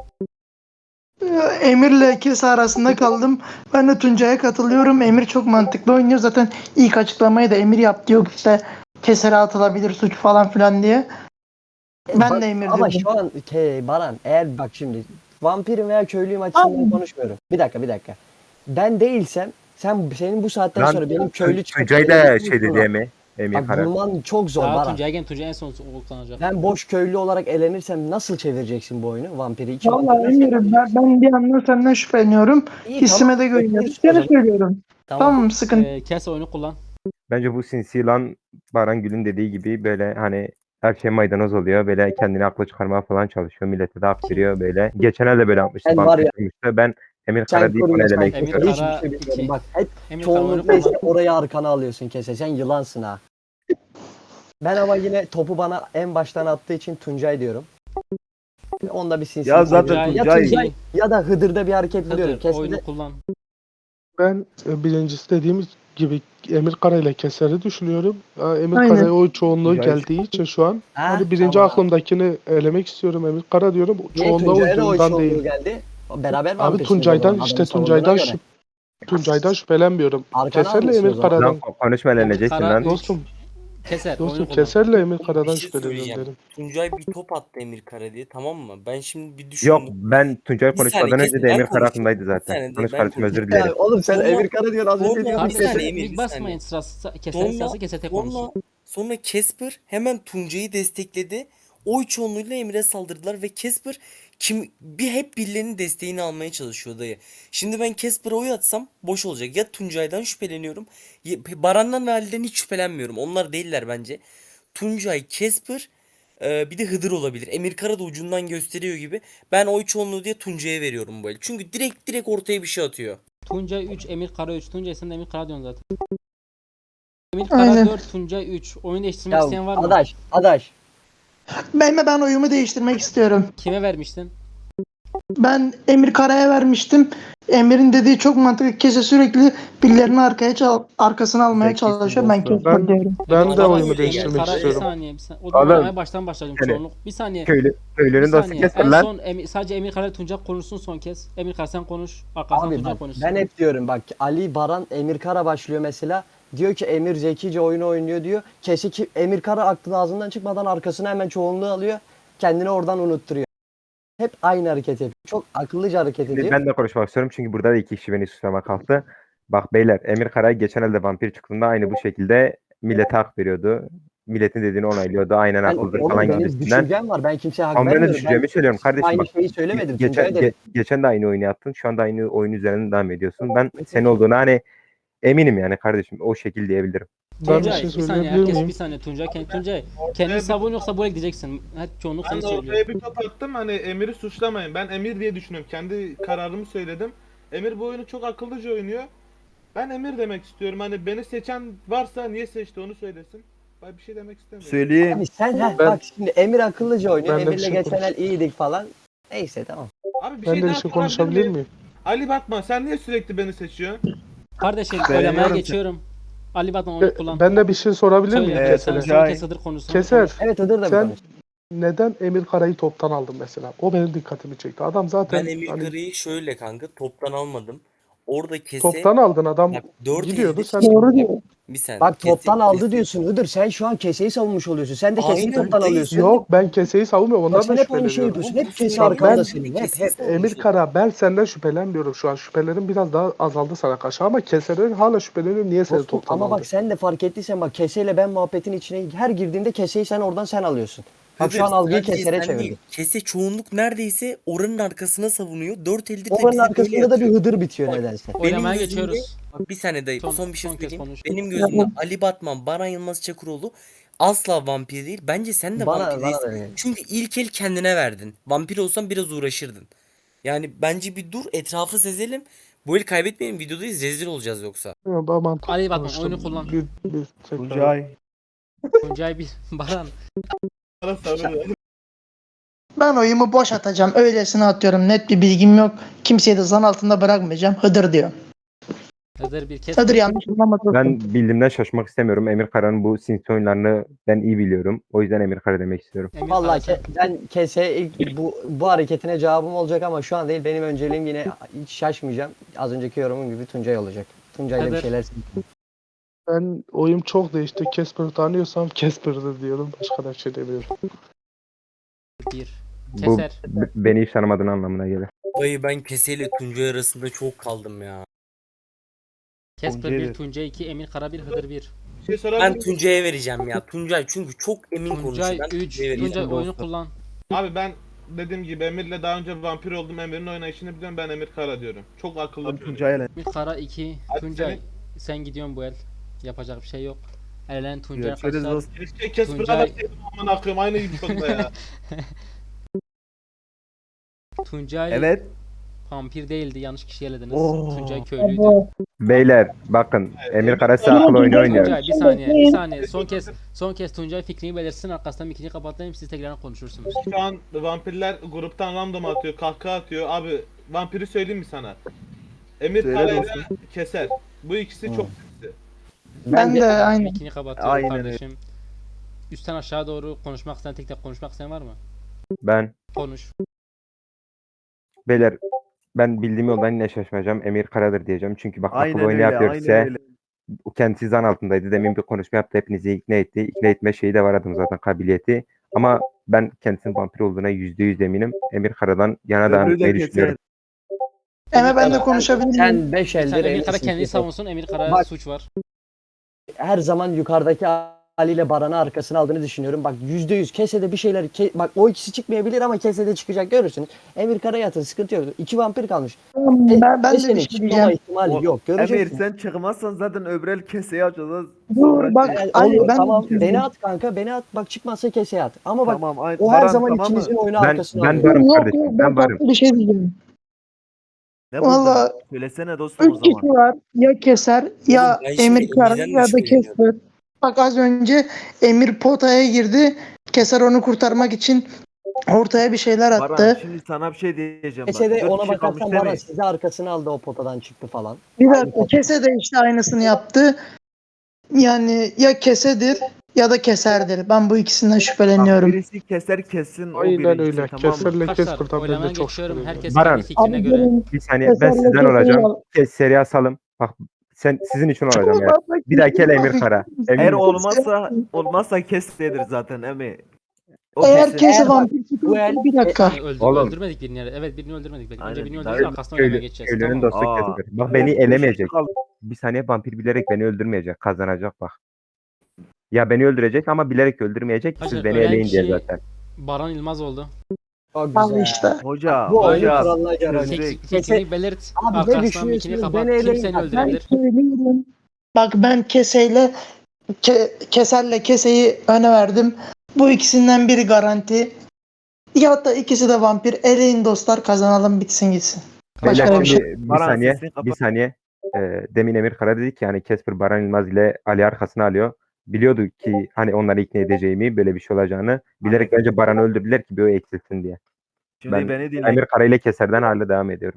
[SPEAKER 3] Emir'le Kese arasında kaldım. Ben de Tuncay'a katılıyorum. Emir çok mantıklı oynuyor. Zaten ilk açıklamayı da Emir yaptı. Yok işte Keser'e atılabilir suç falan filan diye. Ben de Emir
[SPEAKER 1] Ama
[SPEAKER 3] dedim.
[SPEAKER 1] şu an Baran eğer bak şimdi vampirim veya köylüyüm açısından konuşmuyorum. Bir dakika. Ben değilsem senin bu saatten
[SPEAKER 5] Lan
[SPEAKER 1] sonra benim köylü çıkıp
[SPEAKER 5] Tuncay da
[SPEAKER 1] söylediğim
[SPEAKER 5] şey dedi
[SPEAKER 1] sonra-
[SPEAKER 5] mi? Emir
[SPEAKER 1] Bak
[SPEAKER 5] Kara.
[SPEAKER 1] bulman çok zor
[SPEAKER 4] Daha
[SPEAKER 1] Baran.
[SPEAKER 4] Tuncay en son o kullanacak.
[SPEAKER 1] Ben boş köylü olarak elenirsem nasıl çevireceksin bu oyunu? Vampiri iki
[SPEAKER 3] Vallahi
[SPEAKER 1] vampiri nasıl
[SPEAKER 3] Emir'im ben bir yandan senden şüpheleniyorum.
[SPEAKER 1] İyi,
[SPEAKER 3] Hissime
[SPEAKER 1] tamam.
[SPEAKER 3] de güveniyorum.
[SPEAKER 1] Bekliyorsun o
[SPEAKER 3] Seni
[SPEAKER 1] zaman.
[SPEAKER 3] söylüyorum. Tamam sıkıntı.
[SPEAKER 4] Kes oyunu kullan.
[SPEAKER 5] Bence bu sinsi yılan Baran Gül'ün dediği gibi böyle hani her şey maydanoz oluyor. Böyle kendini akla çıkarmaya falan çalışıyor. Millete de hak veriyor böyle. Geçen el de böyle yapmıştı.
[SPEAKER 1] Ben var ya-
[SPEAKER 5] Vampir Ben Emir
[SPEAKER 1] Sen
[SPEAKER 5] Kara deyip onu
[SPEAKER 1] koruyorsun.
[SPEAKER 5] elemek
[SPEAKER 4] Emir
[SPEAKER 5] istiyorum.
[SPEAKER 1] Hiçbir
[SPEAKER 4] Kara
[SPEAKER 1] şey bilmiyorum.
[SPEAKER 4] iki.
[SPEAKER 1] Bak hep
[SPEAKER 4] Emir Kara oyunu
[SPEAKER 1] çoğunlukla
[SPEAKER 4] kullan.
[SPEAKER 1] işte orayı arkana alıyorsun Kese. Sen yılansın ha. Ben ama yine topu bana en baştan attığı için Tuncay diyorum. Onda bir sinsi.
[SPEAKER 8] Ya zaten
[SPEAKER 4] Tuncay-
[SPEAKER 1] ya
[SPEAKER 8] Tuncay
[SPEAKER 1] Tuncay ya da Hıdır'da bir hareket buluyorum.
[SPEAKER 4] Hıdır
[SPEAKER 1] Kesede
[SPEAKER 4] oyunu kullan.
[SPEAKER 2] Ben birincisi dediğimiz gibi Emir Kara ile Keser'i düşünüyorum. Emir
[SPEAKER 3] Aynen.
[SPEAKER 2] Kara'ya oy çoğunluğu
[SPEAKER 5] Tuncay-
[SPEAKER 2] geldiği için şu an
[SPEAKER 1] Ha,
[SPEAKER 2] hani birinci
[SPEAKER 1] tamam.
[SPEAKER 2] aklımdakini elemek istiyorum, Emir Kara diyorum.
[SPEAKER 1] Niye
[SPEAKER 2] Çoğunluğa
[SPEAKER 1] Tuncay'a da oy
[SPEAKER 2] uyduğundan
[SPEAKER 1] çoğunluğu
[SPEAKER 2] değil.
[SPEAKER 1] geldi? Beraber
[SPEAKER 2] Abi
[SPEAKER 1] vampirsiniz
[SPEAKER 2] Tuncay'dan
[SPEAKER 1] o zaman,
[SPEAKER 2] işte
[SPEAKER 1] adamı savunduğuna göre.
[SPEAKER 2] Tuncay'dan şüphelenmiyorum.
[SPEAKER 1] Arkana
[SPEAKER 2] Keser'le
[SPEAKER 1] almışsın o
[SPEAKER 2] Emir
[SPEAKER 1] zaman.
[SPEAKER 2] Kara'dan.
[SPEAKER 5] Lan konuşma eleneceksin
[SPEAKER 4] Kara
[SPEAKER 5] lan.
[SPEAKER 4] üç.
[SPEAKER 2] Dostum,
[SPEAKER 4] Keser oyunu
[SPEAKER 2] dostum
[SPEAKER 4] kullan.
[SPEAKER 2] Keser'le Emir Kara'dan
[SPEAKER 10] Bir şey
[SPEAKER 2] şüpheleniyorum
[SPEAKER 10] söyleyeceğim.
[SPEAKER 2] dedim.
[SPEAKER 10] Tuncay bir top attı Emir Kara diye, tamam mı? Ben şimdi bir düşündüm.
[SPEAKER 5] Yok ben Tuncay
[SPEAKER 10] Bir saniye,
[SPEAKER 5] konuşmadan önce
[SPEAKER 10] kesin
[SPEAKER 5] de
[SPEAKER 10] ben
[SPEAKER 5] Emir Kara
[SPEAKER 10] konuşayım.
[SPEAKER 5] aklımdaydı
[SPEAKER 10] Bir
[SPEAKER 5] zaten.
[SPEAKER 10] saniye,
[SPEAKER 5] Konuş
[SPEAKER 10] ben
[SPEAKER 5] kardeşim özür
[SPEAKER 10] konuşayım.
[SPEAKER 5] dilerim.
[SPEAKER 1] Ya oğlum sen
[SPEAKER 10] Sonra-
[SPEAKER 1] Emir Kara diyorsun az önce
[SPEAKER 10] sonra-
[SPEAKER 1] diyorsun
[SPEAKER 10] Bir
[SPEAKER 1] Keser.
[SPEAKER 10] saniye Emir,
[SPEAKER 4] Mik
[SPEAKER 10] bir
[SPEAKER 4] basmayın
[SPEAKER 10] saniye.
[SPEAKER 4] sırası. Keser'in sırası Keser tek konuşsun.
[SPEAKER 10] Sonra Casper hemen Tuncay'ı destekledi. Oy çoğunluğuyla Emir'e saldırdılar ve Casper hep birilerinin desteğini almaya çalışıyor dayı. Şimdi ben Casper'a oy atsam boş olacak. Ya Tuncay'dan şüpheleniyorum. Baran'dan ve Ali'den hiç şüphelenmiyorum. Onlar değiller bence. Tuncay, Casper, bir de Hıdır olabilir. Emir Kara da ucundan gösteriyor gibi. Ben oy çoğunluğu diye Tuncay'a veriyorum bu el. Çünkü direkt ortaya bir şey atıyor.
[SPEAKER 4] Tuncay 3, Emir Kara 3. Tuncay sen de Emir Kara diyorsun zaten. Emir Kara
[SPEAKER 3] Aynen.
[SPEAKER 4] 4, Tuncay 3. Oyun değiştirmek isteyen var
[SPEAKER 1] Ya
[SPEAKER 4] mı?
[SPEAKER 1] adaş.
[SPEAKER 3] Ben oyumu değiştirmek istiyorum.
[SPEAKER 4] Kime vermiştin?
[SPEAKER 3] Ben Emir Kara'ya vermiştim. Emir'in dediği çok mantıklı. Kese sürekli birilerini arkasına almaya
[SPEAKER 8] Zekisin
[SPEAKER 3] çalışıyor. Ben
[SPEAKER 8] dostum.
[SPEAKER 3] Keser diyorum.
[SPEAKER 2] Ben
[SPEAKER 10] Emir
[SPEAKER 2] de
[SPEAKER 10] Kara
[SPEAKER 2] oyumu
[SPEAKER 10] öyle
[SPEAKER 2] değiştirmek
[SPEAKER 10] yani.
[SPEAKER 4] Kara bir
[SPEAKER 2] istiyorum.
[SPEAKER 4] saniye. O zaman
[SPEAKER 5] Oğlum,
[SPEAKER 4] oynamaya baştan başladım
[SPEAKER 5] yani
[SPEAKER 4] çoğunluk. Bir saniye. Bir
[SPEAKER 5] Köylünün dostu
[SPEAKER 4] saniye.
[SPEAKER 5] Keser
[SPEAKER 4] En
[SPEAKER 5] lan.
[SPEAKER 4] son sadece Emir Kara Tuncay konuşsun son kez. Emir Kara sen konuş. Arkasından
[SPEAKER 1] Abi
[SPEAKER 4] Tuncay
[SPEAKER 1] bak,
[SPEAKER 4] konuşsun.
[SPEAKER 1] ben hep diyorum bak Ali, Baran, Emir Kara başlıyor mesela. Diyor ki Emir zekice oyunu oynuyor diyor. Ki Emir Kara aklının ağzından çıkmadan arkasına hemen çoğunluğu alıyor. Kendini oradan unutturuyor. Hep aynı hareket yapıyor. Çok akıllıca hareket ediyor.
[SPEAKER 5] Ben de konuşmak istiyorum çünkü burada da iki kişi beni suçlama kalktı. Bak beyler Emir Karay geçen elde vampir çıktığında aynı bu şekilde millete hak veriyordu. Milletin dediğini onaylıyordu. Aynen
[SPEAKER 1] Ben,
[SPEAKER 5] haklıdır
[SPEAKER 1] oğlum
[SPEAKER 5] falan
[SPEAKER 1] benim
[SPEAKER 5] gibisinden.
[SPEAKER 1] düşüncem var. Ben kimseye hak
[SPEAKER 5] Ama ben de
[SPEAKER 1] vermiyorum.
[SPEAKER 5] düşüncemi söylüyorum kardeşim
[SPEAKER 1] aynı
[SPEAKER 5] bak.
[SPEAKER 1] şeyi söylemedim. Tuncay'a
[SPEAKER 5] Geçen,
[SPEAKER 1] dedim.
[SPEAKER 5] geçen de aynı oyunu yaptın. Şu anda aynı oyun üzerinden devam ediyorsun. Ben senin olduğuna hani eminim yani kardeşim. O şekil diyebilirim.
[SPEAKER 2] Ben bir
[SPEAKER 4] Tuncay
[SPEAKER 2] şey
[SPEAKER 4] bir saniye,
[SPEAKER 2] söyleyebilir
[SPEAKER 4] herkes
[SPEAKER 2] miyim?
[SPEAKER 4] bir saniye. Tuncay kendini savun yoksa buraya gideceksin. Her çoğunluk
[SPEAKER 9] Ben
[SPEAKER 4] seni
[SPEAKER 9] de
[SPEAKER 4] söylüyor.
[SPEAKER 9] ortaya bir top attım, hani Emir'i suçlamayın. Ben Emir diye düşünüyorum. Kendi kararımı söyledim. Emir bu oyunu çok akıllıca oynuyor. Ben Emir demek istiyorum. Hani beni seçen varsa niye seçti onu söylesin. Ben bir şey demek istemiyorum.
[SPEAKER 8] Söyleyeyim.
[SPEAKER 1] Abi sen
[SPEAKER 2] Ben-
[SPEAKER 1] bak şimdi Emir akıllıca oynuyor.
[SPEAKER 2] Ben de bir
[SPEAKER 1] Emir'le
[SPEAKER 2] şey
[SPEAKER 1] geçen el
[SPEAKER 2] konuşayım.
[SPEAKER 1] iyiydik falan. Neyse tamam.
[SPEAKER 9] Abi bir
[SPEAKER 2] Ben
[SPEAKER 9] şey
[SPEAKER 2] de bir
[SPEAKER 9] daha
[SPEAKER 2] şey
[SPEAKER 9] sorabilir
[SPEAKER 2] konuşabilir
[SPEAKER 9] miyim?
[SPEAKER 2] miyim?
[SPEAKER 9] Ali Batman, sen niye sürekli beni seçiyorsun?
[SPEAKER 4] Kardeşim
[SPEAKER 8] Ben
[SPEAKER 4] oylamaya
[SPEAKER 8] biliyorum
[SPEAKER 4] geçiyorum. Ali Batman onu kullan.
[SPEAKER 2] Ben de bir şey sorabilir
[SPEAKER 4] Söyle.
[SPEAKER 2] miyim
[SPEAKER 8] Evet,
[SPEAKER 4] Sen
[SPEAKER 2] Keser'e?
[SPEAKER 4] son
[SPEAKER 8] Tuncay.
[SPEAKER 4] kez Hıdır konusunu
[SPEAKER 2] Keser,
[SPEAKER 4] konuş.
[SPEAKER 1] Evet Hıdır da bir
[SPEAKER 2] sen
[SPEAKER 1] konuş.
[SPEAKER 2] neden Emir Kara'yı toptan aldın mesela? O benim dikkatimi çekti. Adam zaten
[SPEAKER 10] Ben Emir
[SPEAKER 2] hani
[SPEAKER 10] Kara'yı şöyle kanka toptan almadım. Orada kese
[SPEAKER 2] toptan aldın, adam
[SPEAKER 10] bak 4
[SPEAKER 2] gidiyordu
[SPEAKER 10] elde
[SPEAKER 2] sen.
[SPEAKER 3] Doğru diyor.
[SPEAKER 10] bir saniye.
[SPEAKER 1] Bak toptan aldı
[SPEAKER 10] kese-
[SPEAKER 1] diyorsun Hıdır. Sen şu an keseyi savunmuş oluyorsun. Sen de keseyi
[SPEAKER 10] Aynen,
[SPEAKER 1] toptan
[SPEAKER 10] değil.
[SPEAKER 1] alıyorsun.
[SPEAKER 2] Yok, ben keseyi savunmuyorum,
[SPEAKER 1] Bak
[SPEAKER 2] ondan
[SPEAKER 1] sen
[SPEAKER 2] da
[SPEAKER 1] hep aynı şeyi
[SPEAKER 2] şüpheleniyorum.
[SPEAKER 1] yapıyorsun.
[SPEAKER 10] Oğlum,
[SPEAKER 1] Hep kese
[SPEAKER 10] söylüyorum,
[SPEAKER 1] arkanda
[SPEAKER 2] ben
[SPEAKER 1] senin.
[SPEAKER 10] keseyi
[SPEAKER 1] Hep.
[SPEAKER 2] Emir Kara, ben senden şüphelenmiyorum şu an. Şüphelerim biraz daha azaldı sana karşı ama Keser'e hala şüpheleniyorum. Niye seni
[SPEAKER 1] Dostum,
[SPEAKER 2] toptan
[SPEAKER 1] ama
[SPEAKER 2] aldı?
[SPEAKER 1] bak sen de fark ettiysen bak keseyle ben muhabbetin içine her girdiğimde keseyi sen oradan sen alıyorsun. Bak şu an
[SPEAKER 10] Hıdır,
[SPEAKER 1] algıyı
[SPEAKER 10] sadece
[SPEAKER 1] kesere
[SPEAKER 10] sen değil.
[SPEAKER 1] çevirdin.
[SPEAKER 10] Kese çoğunlukoranın oranın arkasına savunuyor. 4 eldir de
[SPEAKER 1] Oranın
[SPEAKER 10] bize böyle
[SPEAKER 1] arkasında da bir
[SPEAKER 10] yatıyor.
[SPEAKER 1] Hıdır bitiyor
[SPEAKER 10] Bak,
[SPEAKER 1] nedense.
[SPEAKER 4] Oylamaya
[SPEAKER 10] gözümde-
[SPEAKER 4] geçiyoruz.
[SPEAKER 10] Bak bir saniye dayı, son bir şey
[SPEAKER 4] son kez
[SPEAKER 10] söyleyeyim.
[SPEAKER 4] konuş.
[SPEAKER 10] Benim gözümde Ali Batman, Baran Yılmaz Çakıroğlu asla vampir değil. Bence sen de vampir
[SPEAKER 1] Bana
[SPEAKER 10] değilsin.
[SPEAKER 1] da öyle.
[SPEAKER 10] Çünkü ilk el kendine verdin. Vampir olsan biraz uğraşırdın. Yani bence bir dur, etrafı sezelim. Bu el kaybetmeyelim, videodayız, rezil olacağız yoksa.
[SPEAKER 2] Yok, ben mantıklı
[SPEAKER 4] Ali Batman,
[SPEAKER 2] konuştum.
[SPEAKER 4] oyunu kullan.
[SPEAKER 2] Bir tekrar.
[SPEAKER 8] Tuncay.
[SPEAKER 4] Tuncay bir Baran.
[SPEAKER 9] Bana sarılıyor.
[SPEAKER 3] Ben oyumu boş atacağım. Öylesine atıyorum. Net bir bilgim yok. Kimseyi de zan altında bırakmayacağım. Hıdır diyor.
[SPEAKER 4] Hıdır bir kes.
[SPEAKER 3] Hıdır yanlış anlamadı.
[SPEAKER 5] Ben bildiğimden şaşmak istemiyorum. Emir Kara'nın bu sinsi oyunlarını ben iyi biliyorum. O yüzden Emir Kara demek istiyorum.
[SPEAKER 4] Emir
[SPEAKER 1] Vallahi
[SPEAKER 4] Kara sen.
[SPEAKER 1] ben keseye ilk bu hareketine cevabım olacak ama şu an değil. Benim önceliğim yine hiç şaşmayacağım. Az önceki yorumum gibi Tuncay olacak. Tuncay'la bir
[SPEAKER 4] Hıdır.
[SPEAKER 1] şeyler
[SPEAKER 2] Ben oyum çok değişti. Casper'ı tanıyorsam Casper'dır diyorum. Başka da bir şey demiyorum.
[SPEAKER 4] Bir.
[SPEAKER 5] Bu
[SPEAKER 4] Keser.
[SPEAKER 5] beni hiç tanımadığın anlamına gelir.
[SPEAKER 10] Dayı ben Kese ile Tuncay arasında çok kaldım ya.
[SPEAKER 4] Kesper
[SPEAKER 8] Tuncay
[SPEAKER 4] 1,
[SPEAKER 8] bir.
[SPEAKER 4] Tuncay 2, Emir Kara 1, Hıdır 1.
[SPEAKER 9] Bir şey sorabilir
[SPEAKER 10] Ben
[SPEAKER 9] miyim?
[SPEAKER 10] Tuncay'a vereceğim ya. Tuncay çünkü çok emin
[SPEAKER 4] Tuncay
[SPEAKER 10] konuşuyor. Ben
[SPEAKER 4] 3.
[SPEAKER 10] Tuncay'a vereceğim.
[SPEAKER 4] Tuncay oyunu kullan.
[SPEAKER 9] Abi ben dediğim gibi Emir'le daha önce vampir oldum. Emir'in oynayışını biliyorum. Ben Emir Kara diyorum. Çok akıllı
[SPEAKER 8] Abi
[SPEAKER 9] bir çocuk.
[SPEAKER 8] Tuncay'la.
[SPEAKER 4] Emir Kara 2.
[SPEAKER 9] Hadi
[SPEAKER 4] Tuncay sen gidiyorsun bu el. Yapacak bir şey yok. Elenen Tuncay
[SPEAKER 8] Görüşürüz
[SPEAKER 4] arkadaşlar.
[SPEAKER 8] dostum.
[SPEAKER 9] Keşke Casper'a
[SPEAKER 4] Tuncay-
[SPEAKER 9] verseydim aman akıyım. Aynı gibi çok da ya.
[SPEAKER 4] Tuncay
[SPEAKER 8] Evet.
[SPEAKER 4] vampir değildi. Yanlış kişi elediniz.
[SPEAKER 8] Oo.
[SPEAKER 4] Tuncay köylüydü.
[SPEAKER 5] Beyler bakın, Emir Kara size akıl oyunu oynuyor.
[SPEAKER 4] Tuncay bir saniye, bir saniye. Son kez Tuncay fikrini belirtsin. Arkasından mikini kapatayım. Siz tekrar konuşursunuz.
[SPEAKER 9] Şu an vampirler gruptan random atıyor. Kahkaha atıyor. Abi vampiri söyleyeyim mi sana? Emir
[SPEAKER 8] Söyle
[SPEAKER 9] Kara ile
[SPEAKER 8] dostum.
[SPEAKER 9] Keser. Bu ikisi çok sesli.
[SPEAKER 3] Ben de aynı.
[SPEAKER 4] Mikini kapatıyorum
[SPEAKER 8] Aynen öyle.
[SPEAKER 4] kardeşim. Üstten aşağı doğru konuşmak isteyen, tek tek konuşmak isteyen var mı?
[SPEAKER 5] Ben
[SPEAKER 4] Konuş.
[SPEAKER 5] beyler, ben bildiğim yoldan yine şaşmayacağım. Emir Kara'dır diyeceğim. Çünkü bak akıl
[SPEAKER 8] Aynen
[SPEAKER 5] oyunu
[SPEAKER 8] öyle.
[SPEAKER 5] yapıyor
[SPEAKER 8] Aynen
[SPEAKER 5] size.
[SPEAKER 8] öyle.
[SPEAKER 5] O kendisi zan altındaydı. Demin bir konuşma yaptı. Hepinizi ikna etti. İkna etme şeyi de var adım zaten, kabiliyeti. Ama ben kendisinin vampir olduğuna %100 eminim. Emir Kara'dan yana devam
[SPEAKER 8] Öbürü de
[SPEAKER 5] etmeyi
[SPEAKER 8] keser.
[SPEAKER 5] düşünüyorum.
[SPEAKER 3] Ama ben de konuşabilir miyim?
[SPEAKER 1] Sen 5
[SPEAKER 4] Sen
[SPEAKER 1] eldir
[SPEAKER 4] Emir
[SPEAKER 1] eminsin
[SPEAKER 4] Kara kendini
[SPEAKER 1] kesin.
[SPEAKER 4] savunsun. Emir Kara'ya
[SPEAKER 1] Bak-
[SPEAKER 4] suç var.
[SPEAKER 1] Her zaman yukarıdaki Ali ile Baran'ı arkasına aldığını düşünüyorum. Bak %100 kesede bir şeyler bak o ikisi çıkmayabilir ama kesede çıkacak görürsün. Emir Kara'ya atın, sıkıntı yok. 2 vampir kalmış.
[SPEAKER 3] Ben de
[SPEAKER 1] Kesenin
[SPEAKER 3] bir şey
[SPEAKER 1] çıkmama
[SPEAKER 3] diyeceğim.
[SPEAKER 1] ihtimali yok.
[SPEAKER 8] Emir
[SPEAKER 1] Göreceksin.
[SPEAKER 8] sen çıkmazsan zaten öbürel keseyi açacağız.
[SPEAKER 3] Dur bak
[SPEAKER 1] Yani
[SPEAKER 3] Ali
[SPEAKER 1] olur,
[SPEAKER 3] ben
[SPEAKER 1] tamam
[SPEAKER 3] de bir şey
[SPEAKER 1] beni
[SPEAKER 3] diyeceğim.
[SPEAKER 1] at kanka, beni at. Bak çıkmazsa keseye at. Ama bak
[SPEAKER 8] Tamam. Aynen.
[SPEAKER 1] o her
[SPEAKER 8] Baran,
[SPEAKER 1] zaman
[SPEAKER 8] tamam mı?
[SPEAKER 1] ikinizin oyunu
[SPEAKER 5] Ben
[SPEAKER 1] arkasına alıyor.
[SPEAKER 5] varım
[SPEAKER 3] Yok
[SPEAKER 5] kardeşim.
[SPEAKER 3] yok
[SPEAKER 5] Ben
[SPEAKER 3] ben
[SPEAKER 5] varım.
[SPEAKER 3] farklı bir şey diyeceğim.
[SPEAKER 8] Ne buldun?
[SPEAKER 3] Valla
[SPEAKER 8] Söylesene dostum o
[SPEAKER 3] 3 kişi
[SPEAKER 8] zaman.
[SPEAKER 3] var. Ya Keser ya
[SPEAKER 10] ben şimdi
[SPEAKER 3] Emir Kara
[SPEAKER 10] Emir'den de
[SPEAKER 3] ya da
[SPEAKER 10] şüpheleniyorum.
[SPEAKER 3] Keser. Bak az önce Emir potaya girdi. Keser onu kurtarmak için ortaya bir şeyler
[SPEAKER 8] Baran
[SPEAKER 3] attı.
[SPEAKER 8] şimdi sana bir şey diyeceğim bak.
[SPEAKER 1] Kesede
[SPEAKER 8] 4
[SPEAKER 1] ona
[SPEAKER 8] kişi kalmış
[SPEAKER 1] bakarsan
[SPEAKER 8] değil
[SPEAKER 1] Baran
[SPEAKER 8] mi?
[SPEAKER 1] sizi arkasına aldı, o potadan çıktı falan.
[SPEAKER 3] Bir dakika Kese de işte aynısını yaptı. Yani ya Kesedir ya da Keserdir. Ben bu ikisinden
[SPEAKER 8] Bak,
[SPEAKER 3] şüpheleniyorum.
[SPEAKER 8] birisi keser kessin o
[SPEAKER 2] Aynen
[SPEAKER 8] birincisi,
[SPEAKER 2] öyle.
[SPEAKER 8] tamam mı?
[SPEAKER 2] Keser'le
[SPEAKER 4] Arkadaşlar
[SPEAKER 2] Casper'dan ben
[SPEAKER 4] oylamaya
[SPEAKER 2] de çok
[SPEAKER 4] geçiyorum.
[SPEAKER 2] şüpheleniyorum.
[SPEAKER 4] Herkes
[SPEAKER 5] Baran.
[SPEAKER 4] kendi fikrine
[SPEAKER 3] Abi
[SPEAKER 4] göre.
[SPEAKER 3] gelin.
[SPEAKER 5] Bir saniye, ben
[SPEAKER 3] Keser'le
[SPEAKER 5] sizden
[SPEAKER 3] Keser'i
[SPEAKER 5] olacağım.
[SPEAKER 3] al.
[SPEAKER 5] Seri asalım. Bak sizin için olacağım ya. Bir dahaki el Emir Kara.
[SPEAKER 8] Eğer
[SPEAKER 5] Eminim.
[SPEAKER 8] olmazsa kesedir zaten Emi. O
[SPEAKER 3] Eğer
[SPEAKER 8] kesin.
[SPEAKER 3] Kese
[SPEAKER 1] Eğer bak,
[SPEAKER 3] vampir
[SPEAKER 1] bu el-
[SPEAKER 3] çıkarsa bir dakika.
[SPEAKER 4] Hani
[SPEAKER 5] Oğlum.
[SPEAKER 4] öldürmedik birini. Evet birini öldürmedik. Belki. Önce
[SPEAKER 8] Aynen,
[SPEAKER 4] birini
[SPEAKER 8] daha
[SPEAKER 4] öldürürüz,
[SPEAKER 8] öyle.
[SPEAKER 4] arkasından oynamaya geçeceğiz.
[SPEAKER 5] Köylünün
[SPEAKER 4] Tamam.
[SPEAKER 5] dostu
[SPEAKER 8] Aa.
[SPEAKER 5] Casper. Bak beni elemeyecek. Bir saniye, vampir bilerek beni öldürmeyecek. Kazanacak bak. Ya beni öldürecek ama bilerek öldürmeyecek. Siz
[SPEAKER 4] Hacı,
[SPEAKER 5] beni
[SPEAKER 4] ölen
[SPEAKER 5] eleyin diye
[SPEAKER 4] kişi-
[SPEAKER 5] zaten.
[SPEAKER 4] Baran İlmaz oldu.
[SPEAKER 1] Çok
[SPEAKER 3] Al
[SPEAKER 1] güzel.
[SPEAKER 3] işte.
[SPEAKER 8] Hoca,
[SPEAKER 1] Bu oyunun
[SPEAKER 8] hoca.
[SPEAKER 1] kuralına göre
[SPEAKER 8] Sözde-
[SPEAKER 1] oynayacak.
[SPEAKER 4] Fikrini belirt.
[SPEAKER 1] Abi ne
[SPEAKER 4] Arkasından
[SPEAKER 1] düşünüyorsunuz?
[SPEAKER 4] mikini kapat.
[SPEAKER 1] Beni
[SPEAKER 4] Kim
[SPEAKER 1] eleyin.
[SPEAKER 4] seni
[SPEAKER 1] Bak,
[SPEAKER 3] Ben
[SPEAKER 4] öldürebilir?
[SPEAKER 3] söylüyorum. Bak ben Kese'yle Keser'le Kese'yi öne verdim. Bu ikisinden biri garanti. Ya da ikisi de vampir. Eleyin dostlar, kazanalım, bitsin gitsin.
[SPEAKER 5] Beyler
[SPEAKER 3] Başka bir şey.
[SPEAKER 5] şimdi bir
[SPEAKER 8] Baran,
[SPEAKER 5] saniye,
[SPEAKER 8] sesini kapat.
[SPEAKER 5] bir saniye. Demin Emir Kara dedi ki hani Casper Baran Yılmaz ile Ali arkasına alıyor. Biliyordu ki hani onları ikna edeceğimi, böyle bir şey olacağını. Bilerek önce Baran'ı öldürdüler ki bir o eksilsin diye.
[SPEAKER 8] Şimdi
[SPEAKER 5] Ben
[SPEAKER 8] beni dinle.
[SPEAKER 5] Emir Kara ile Keser'den hala devam ediyorum.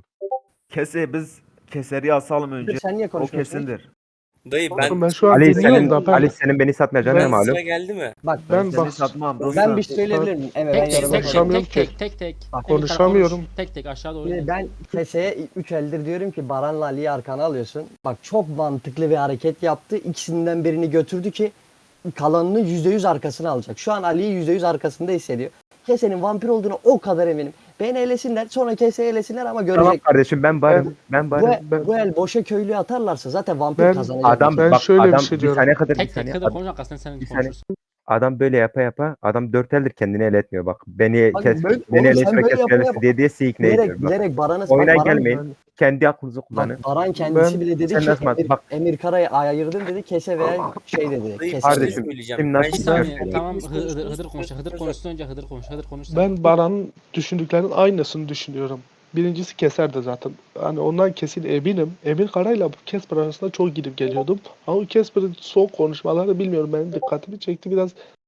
[SPEAKER 8] Biz Keser'i asalım önce.
[SPEAKER 1] Sen niye
[SPEAKER 8] O
[SPEAKER 1] konuşmuyorsun?
[SPEAKER 8] kesindir.
[SPEAKER 10] Dayı
[SPEAKER 2] Oğlum ben
[SPEAKER 10] ben
[SPEAKER 2] şu an
[SPEAKER 5] Ali
[SPEAKER 2] dinliyorum
[SPEAKER 5] senin,
[SPEAKER 2] da ben,
[SPEAKER 5] Ali senin beni satmayacağına ne
[SPEAKER 10] ben
[SPEAKER 5] malum?
[SPEAKER 10] sıra geldi mi?
[SPEAKER 1] Bak
[SPEAKER 2] ben
[SPEAKER 8] Seni
[SPEAKER 2] bak
[SPEAKER 8] satmam dostum.
[SPEAKER 1] ben bir şey söyleyebilir miyim? Evet, ben
[SPEAKER 4] Tek tek
[SPEAKER 1] yorum
[SPEAKER 4] tek
[SPEAKER 1] yapacağım.
[SPEAKER 2] konuşamıyorum
[SPEAKER 4] tek
[SPEAKER 2] ki.
[SPEAKER 4] tek tek tek.
[SPEAKER 1] Bak,
[SPEAKER 4] Emir
[SPEAKER 2] konuşamıyorum.
[SPEAKER 4] konuş. Tek tek aşağı doğru.
[SPEAKER 1] Şimdi ben Kese'ye 3 eldir diyorum ki Baran'la Ali'yi arkana alıyorsun. Bak çok mantıklı bir hareket yaptı. İkisinden birini götürdü ki kalanını %100 arkasına alacak. Şu an Ali'yi %100 arkasında hissediyor. Kese'nin vampir olduğuna o kadar eminim. Beni elesinler, sonra Kese'yi elesinler ama
[SPEAKER 5] Tamam
[SPEAKER 1] görecek.
[SPEAKER 5] kardeşim ben varım. Ben
[SPEAKER 1] Bu,
[SPEAKER 5] varım.
[SPEAKER 1] bu el boşa köylüye atarlarsa zaten vampir
[SPEAKER 2] Ben-
[SPEAKER 1] kazanacak.
[SPEAKER 5] Adam
[SPEAKER 2] Ben
[SPEAKER 5] bak
[SPEAKER 2] şöyle bir
[SPEAKER 5] adam
[SPEAKER 2] şey
[SPEAKER 5] bir
[SPEAKER 2] diyorum.
[SPEAKER 5] saniye kadar bir
[SPEAKER 4] Tek tek
[SPEAKER 5] saniye.
[SPEAKER 4] kadar konuş, arkasından sen
[SPEAKER 5] bir saniye.
[SPEAKER 4] konuşursun.
[SPEAKER 5] Adam böyle yapa adam 4 eldir kendini ele etmiyor bak. Beni
[SPEAKER 1] Bak,
[SPEAKER 5] kes,
[SPEAKER 1] böyle-
[SPEAKER 5] beni
[SPEAKER 1] oğlum sen
[SPEAKER 5] eleştire
[SPEAKER 1] böyle
[SPEAKER 5] kes
[SPEAKER 1] yapa
[SPEAKER 5] elesi
[SPEAKER 1] yapa-
[SPEAKER 5] diye sizi ikna ediyor.
[SPEAKER 1] Bilerek,
[SPEAKER 5] Bak.
[SPEAKER 1] bilerek Baran'ı...
[SPEAKER 5] Oyuna
[SPEAKER 1] Bak, Baran-
[SPEAKER 5] gelmeyin. Kendi aklınızı kullanın.
[SPEAKER 1] Bak, Baran kendisi
[SPEAKER 2] Ben-
[SPEAKER 1] bile dedi
[SPEAKER 5] Sen
[SPEAKER 1] ki
[SPEAKER 5] nasıl-
[SPEAKER 1] Emir,
[SPEAKER 5] bak-
[SPEAKER 1] Emir Kara'yı ayırdım dedi, Kese veya şey dedi.
[SPEAKER 10] Dayı bir
[SPEAKER 1] Kese
[SPEAKER 10] şey
[SPEAKER 5] Kardeşim,
[SPEAKER 10] söyleyeceğim.
[SPEAKER 5] şimdi
[SPEAKER 10] Ben
[SPEAKER 5] nasıl
[SPEAKER 4] Bir
[SPEAKER 10] şimdi
[SPEAKER 5] güzel
[SPEAKER 4] saniye
[SPEAKER 5] söylüyor.
[SPEAKER 4] tamam
[SPEAKER 10] hepimiz
[SPEAKER 4] Hıdır
[SPEAKER 10] konuştuğumuz
[SPEAKER 4] konuşsun. Hıdır konuşsun önce Hıdır konuş. Hıdır konuş sen.
[SPEAKER 2] Ben Baran'ın düşündüklerinin aynısını düşünüyorum. Birincisi Keser de zaten. Hani ondan kesin eminim. Emir Kara'yla Casper arasında çok gidip geliyordum. Ama Casper'ın son konuşmaları bilmiyorum benim dikkatimi çekti biraz.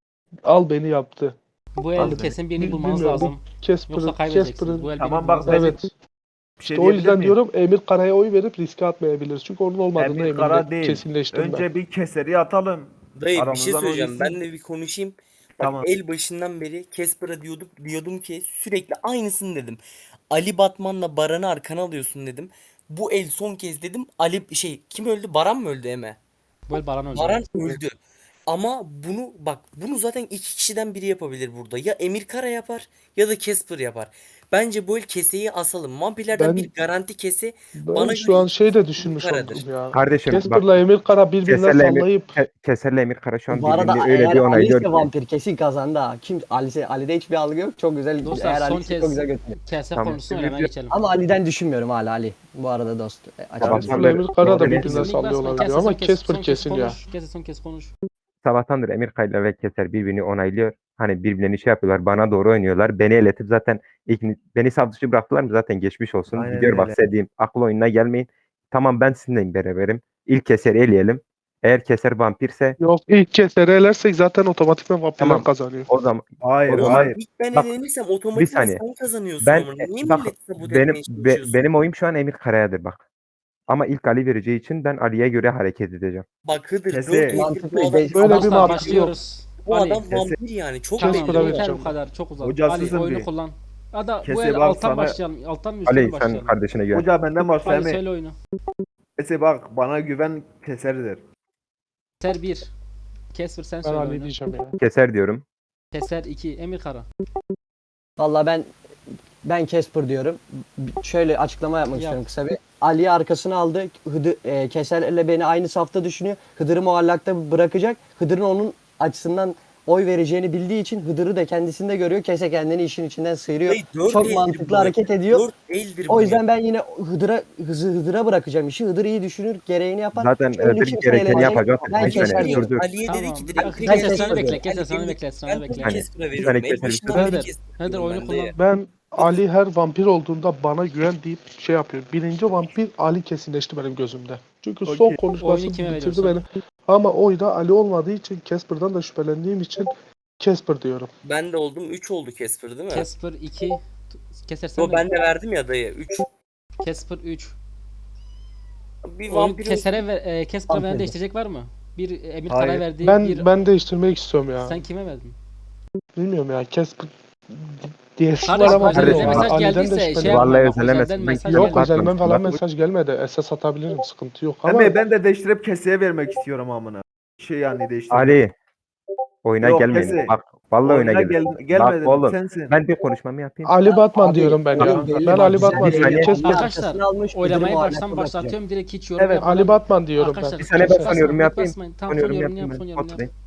[SPEAKER 2] Al beni yaptı.
[SPEAKER 4] Bu el
[SPEAKER 8] Abi,
[SPEAKER 4] kesin birini
[SPEAKER 2] bil-
[SPEAKER 4] bulmanız
[SPEAKER 2] bilmiyorum,
[SPEAKER 4] lazım.
[SPEAKER 2] Casper'ın
[SPEAKER 4] Yoksa kaybedeceksiniz. Bu el
[SPEAKER 8] Tamam,
[SPEAKER 4] birini
[SPEAKER 8] bak,
[SPEAKER 4] bulmanız lazım.
[SPEAKER 2] evet.
[SPEAKER 8] Bir şey
[SPEAKER 2] İşte o
[SPEAKER 8] diyebilir
[SPEAKER 2] yüzden
[SPEAKER 8] miyim?
[SPEAKER 2] diyorum Emir Kara'ya oy verip riske atmayabiliriz. Çünkü onun olmadığını
[SPEAKER 8] Emir Kara
[SPEAKER 2] eminim.
[SPEAKER 8] değil.
[SPEAKER 2] Kesinleştim ben.
[SPEAKER 8] Önce bir Keser'i atalım.
[SPEAKER 10] Dayı bir şey
[SPEAKER 8] Aramızdan
[SPEAKER 10] söyleyeceğim.
[SPEAKER 8] oynasın.
[SPEAKER 10] Ben de bir konuşayım. Bak
[SPEAKER 8] Tamam.
[SPEAKER 10] el başından beri Casper'a diyordum ki sürekli aynısını dedim. Ali Batman'la Baran'ı arkana alıyorsun dedim. Bu el son kez dedim. Kim öldü? Baran mı öldü Eme?
[SPEAKER 4] Bu el Baran öldü.
[SPEAKER 10] Baran öldü. Ama bunu zaten iki kişiden biri yapabilir burada. Ya Emir Kara yapar ya da Casper yapar. Bence bu el Kese'yi asalım. Vampirlerden
[SPEAKER 2] Ben-
[SPEAKER 10] bir garanti Kese.
[SPEAKER 2] Ben
[SPEAKER 10] Bana
[SPEAKER 2] şu
[SPEAKER 10] göre
[SPEAKER 2] an şey de
[SPEAKER 10] Emir
[SPEAKER 2] düşünmüş
[SPEAKER 10] Kara'dır.
[SPEAKER 2] oldum ya.
[SPEAKER 5] Kardeşim bak
[SPEAKER 2] Casper'la Emir Kara birbirine
[SPEAKER 5] Keser'le Emir,
[SPEAKER 2] sallayıp
[SPEAKER 5] Keser'le Emir Kara şu an
[SPEAKER 1] Bu arada
[SPEAKER 5] birbirini öyle
[SPEAKER 1] eğer
[SPEAKER 5] bir
[SPEAKER 1] Ali
[SPEAKER 5] onaylıyor
[SPEAKER 1] ise
[SPEAKER 5] ki.
[SPEAKER 1] vampir kesin kazandı ha. Ali'de hiçbir algı yok. Çok güzel.
[SPEAKER 4] Dostlar
[SPEAKER 1] Eğer
[SPEAKER 4] son
[SPEAKER 1] Ali ise
[SPEAKER 4] kez
[SPEAKER 1] çok güzel götürüyor.
[SPEAKER 4] Kese
[SPEAKER 5] Tamam.
[SPEAKER 4] konuşsun öyle hemen geçelim.
[SPEAKER 1] Ama Ali'den düşünmüyorum hala Ali. Bu arada dost.
[SPEAKER 5] Tamam.
[SPEAKER 2] Casper'la Emir Kara da
[SPEAKER 5] Doğru
[SPEAKER 2] birbirine
[SPEAKER 5] diyorsun.
[SPEAKER 2] sallıyor olabilir
[SPEAKER 4] Kese
[SPEAKER 2] ama
[SPEAKER 4] son kez-
[SPEAKER 2] Casper
[SPEAKER 4] son kez
[SPEAKER 2] kesin ya.
[SPEAKER 4] konuş. Kese son kez konuş.
[SPEAKER 5] Sabahtandır Emir Kayla ve Keser birbirini onaylıyor. Hani birbirlerini şey yapıyorlar. Bana doğru oynuyorlar. Beni eletip zaten beni saf dışı bıraktılar mı zaten geçmiş olsun.
[SPEAKER 8] Aynen
[SPEAKER 5] Gidiyor bak
[SPEAKER 8] öyle.
[SPEAKER 5] sevdiğim. Akıl oyununa gelmeyin. Tamam ben sizinle beraberim. İlk Keser'i eleyelim. Eğer Keser vampirse
[SPEAKER 2] Yok ilk kez elersek zaten otomatikman vampirler
[SPEAKER 5] Tamam.
[SPEAKER 2] kazanıyor.
[SPEAKER 5] o zaman
[SPEAKER 8] Hayır,
[SPEAKER 5] O zaman-
[SPEAKER 8] hayır.
[SPEAKER 10] İlk ben
[SPEAKER 5] Bak,
[SPEAKER 10] elenirsem
[SPEAKER 5] bir
[SPEAKER 10] otomatikman
[SPEAKER 5] saniye.
[SPEAKER 10] sen kazanıyorsun
[SPEAKER 5] Ben
[SPEAKER 10] ama. Niye
[SPEAKER 5] bak
[SPEAKER 10] milleti sabote
[SPEAKER 5] benim
[SPEAKER 10] etmeye çalışıyorsun?
[SPEAKER 5] benim oyum şu an Emir Kara'yadır bak. Ama ilk Ali vereceği için ben Ali'ye göre hareket edeceğim.
[SPEAKER 10] Bak Hıdır
[SPEAKER 8] Kese-
[SPEAKER 10] 4 eldir
[SPEAKER 1] Mantıklı
[SPEAKER 10] bu adam,
[SPEAKER 1] değil.
[SPEAKER 2] Böyle bir
[SPEAKER 4] Dostlar
[SPEAKER 2] mantık yok.
[SPEAKER 4] başlıyoruz.
[SPEAKER 10] bu
[SPEAKER 4] Ali.
[SPEAKER 10] adam vampir yani. Çok
[SPEAKER 2] Casper'a
[SPEAKER 10] belli.
[SPEAKER 4] Tamam yeter
[SPEAKER 2] vereceğim
[SPEAKER 4] bu kadar çok uzak.
[SPEAKER 8] Hocasızın
[SPEAKER 4] Ali oyunu
[SPEAKER 8] bir.
[SPEAKER 4] kullan. Ya da bu
[SPEAKER 8] Kese
[SPEAKER 4] el
[SPEAKER 8] bak
[SPEAKER 4] alttan
[SPEAKER 8] sana-
[SPEAKER 4] başlayalım. Alttan mı üstten
[SPEAKER 5] Ali
[SPEAKER 4] mi
[SPEAKER 5] sen
[SPEAKER 4] başlayalım?
[SPEAKER 5] kardeşine güven.
[SPEAKER 8] Hoca benden başla
[SPEAKER 4] Ali
[SPEAKER 8] Emi.
[SPEAKER 4] söyle oyunu.
[SPEAKER 8] Kese bak bana güven Keser'dir.
[SPEAKER 4] Keser 1. Casper sen
[SPEAKER 2] Ben
[SPEAKER 4] söyle
[SPEAKER 2] Ali
[SPEAKER 4] oyunu.
[SPEAKER 2] diyeceğim ya.
[SPEAKER 5] Keser diyorum.
[SPEAKER 4] Keser 2. Emir Kara.
[SPEAKER 1] Valla ben Casper diyorum. Şöyle açıklama yapmak
[SPEAKER 4] Yap.
[SPEAKER 1] istiyorum kısa bir. Ali'yi arkasına aldı. Keser'le beni aynı safta düşünüyor. Hıdır'ı muallakta bırakacak. Hıdır'ın onun açısından oy vereceğini bildiği için Hıdır'ı da kendisinde görüyor. Kese kendini işin içinden sıyırıyor.
[SPEAKER 10] Dayı, dört
[SPEAKER 1] Çok
[SPEAKER 10] eldir
[SPEAKER 1] mantıklı
[SPEAKER 10] bu.
[SPEAKER 1] hareket ediyor.
[SPEAKER 10] 4 eldir
[SPEAKER 1] O
[SPEAKER 10] bu
[SPEAKER 1] yüzden
[SPEAKER 10] ya.
[SPEAKER 1] ben yine Hıdır'a bırakacağım işi. Hıdır iyi düşünür, gereğini yapar.
[SPEAKER 5] Zaten
[SPEAKER 1] Köylü
[SPEAKER 5] Hıdır
[SPEAKER 1] kimse
[SPEAKER 5] gerekeni
[SPEAKER 1] eğlenecek.
[SPEAKER 5] yapacak.
[SPEAKER 1] Ben
[SPEAKER 5] Bir saniye,
[SPEAKER 1] Keser diyorum.
[SPEAKER 5] dur, dur.
[SPEAKER 10] Ali'ye dedi
[SPEAKER 4] Tamam.
[SPEAKER 10] ki
[SPEAKER 4] Bir
[SPEAKER 10] direkt
[SPEAKER 4] dakika,
[SPEAKER 10] Ali
[SPEAKER 1] ben
[SPEAKER 4] Keser
[SPEAKER 1] Casper
[SPEAKER 4] sana
[SPEAKER 1] diyorum.
[SPEAKER 4] bekle. Keser sana
[SPEAKER 10] Ali
[SPEAKER 4] bekle. Sana
[SPEAKER 10] Ben
[SPEAKER 4] bekle.
[SPEAKER 10] bunu
[SPEAKER 5] Hani,
[SPEAKER 10] Casper'a
[SPEAKER 5] bir
[SPEAKER 10] veriyorum.
[SPEAKER 5] saniye
[SPEAKER 10] En
[SPEAKER 5] Keser
[SPEAKER 10] başından
[SPEAKER 2] bitirsin.
[SPEAKER 10] beri
[SPEAKER 4] Hıdır.
[SPEAKER 10] Casper'a
[SPEAKER 4] Hıdır
[SPEAKER 10] veriyorum
[SPEAKER 4] oyunu
[SPEAKER 10] ben de
[SPEAKER 4] kullan.
[SPEAKER 10] ya.
[SPEAKER 2] Ben Ali her vampir olduğunda bana güven deyip şey yapıyor. Birinci vampir Ali kesinleşti benim gözümde. Çünkü son
[SPEAKER 8] Okey.
[SPEAKER 2] konuşması
[SPEAKER 4] Oyunu kime
[SPEAKER 2] bitirdi
[SPEAKER 4] veriyorsun?
[SPEAKER 2] beni. Ama oyda Ali olmadığı için Casper'dan da şüphelendiğim için Casper diyorum.
[SPEAKER 10] Ben de oldum. 3 oldu Casper değil mi?
[SPEAKER 4] Casper 2. Keser sen
[SPEAKER 10] Yo,
[SPEAKER 4] de.
[SPEAKER 10] ben de verdim ya dayı. 3.
[SPEAKER 4] Casper 3.
[SPEAKER 10] Bir
[SPEAKER 4] Oyun
[SPEAKER 10] vampirin
[SPEAKER 4] Keser'e ve Casper'a veren
[SPEAKER 1] Vampir.
[SPEAKER 4] değiştirecek var mı? Bir Emir
[SPEAKER 8] Hayır.
[SPEAKER 4] Kara'ya verdiği
[SPEAKER 2] Ben
[SPEAKER 4] bir...
[SPEAKER 2] ben değiştirmek istiyorum ya.
[SPEAKER 4] Sen kime verdin?
[SPEAKER 2] Bilmiyorum ya Casper diyesi var
[SPEAKER 4] Kardeşim
[SPEAKER 2] ama
[SPEAKER 4] özelden
[SPEAKER 5] Kardeşim,
[SPEAKER 4] mesaj
[SPEAKER 2] Ali'den de
[SPEAKER 4] geldiyse şey
[SPEAKER 2] şüpheleniyorum.
[SPEAKER 4] yapma.
[SPEAKER 5] Vallahi
[SPEAKER 4] Bak,
[SPEAKER 5] özelemezsin.
[SPEAKER 4] özelden
[SPEAKER 5] Ben
[SPEAKER 4] mesaj
[SPEAKER 5] yok,
[SPEAKER 2] Yok
[SPEAKER 4] geldi.
[SPEAKER 2] özelden falan
[SPEAKER 5] Bak-
[SPEAKER 2] mesaj gelmedi. SS atabilirim sıkıntı yok ama
[SPEAKER 8] Emi ben de değiştirip Kese'ye vermek istiyorum amına. Şey yani değiştirip.
[SPEAKER 5] Ali oyuna
[SPEAKER 8] Yok,
[SPEAKER 5] gelmeyin.
[SPEAKER 8] Kese.
[SPEAKER 5] Bak vallahi oyuna gelmeyin.
[SPEAKER 8] Gelmedi.
[SPEAKER 5] Bak oğlum
[SPEAKER 8] Sensin.
[SPEAKER 5] ben bir konuşmamı yapayım.
[SPEAKER 2] Ali Batman
[SPEAKER 1] Abi,
[SPEAKER 2] diyorum ben ya.
[SPEAKER 1] belli
[SPEAKER 2] Ben
[SPEAKER 1] bak,
[SPEAKER 2] Ali
[SPEAKER 1] güzel
[SPEAKER 2] Batman
[SPEAKER 1] bir
[SPEAKER 2] diyorum.
[SPEAKER 5] saniye.
[SPEAKER 2] Casper
[SPEAKER 4] Arkadaşlar,
[SPEAKER 1] Arkasını almış,
[SPEAKER 4] Oylamayı
[SPEAKER 1] Hıdır'ı
[SPEAKER 4] baştan
[SPEAKER 1] muallakta
[SPEAKER 4] başlatıyorum. Direkt hiç yorum
[SPEAKER 2] Evet
[SPEAKER 4] yapmadan.
[SPEAKER 2] Ali Batman diyorum
[SPEAKER 4] Arkadaşlar
[SPEAKER 2] ben.
[SPEAKER 4] son
[SPEAKER 2] Keser.
[SPEAKER 5] Basıyorum, yapayım.
[SPEAKER 4] basmayın. Tamam
[SPEAKER 5] Son
[SPEAKER 4] son
[SPEAKER 5] yorum
[SPEAKER 4] yorumunu yap.
[SPEAKER 5] yapayım
[SPEAKER 4] Son
[SPEAKER 5] ben.
[SPEAKER 4] yorumunu yap.
[SPEAKER 5] Oturayım.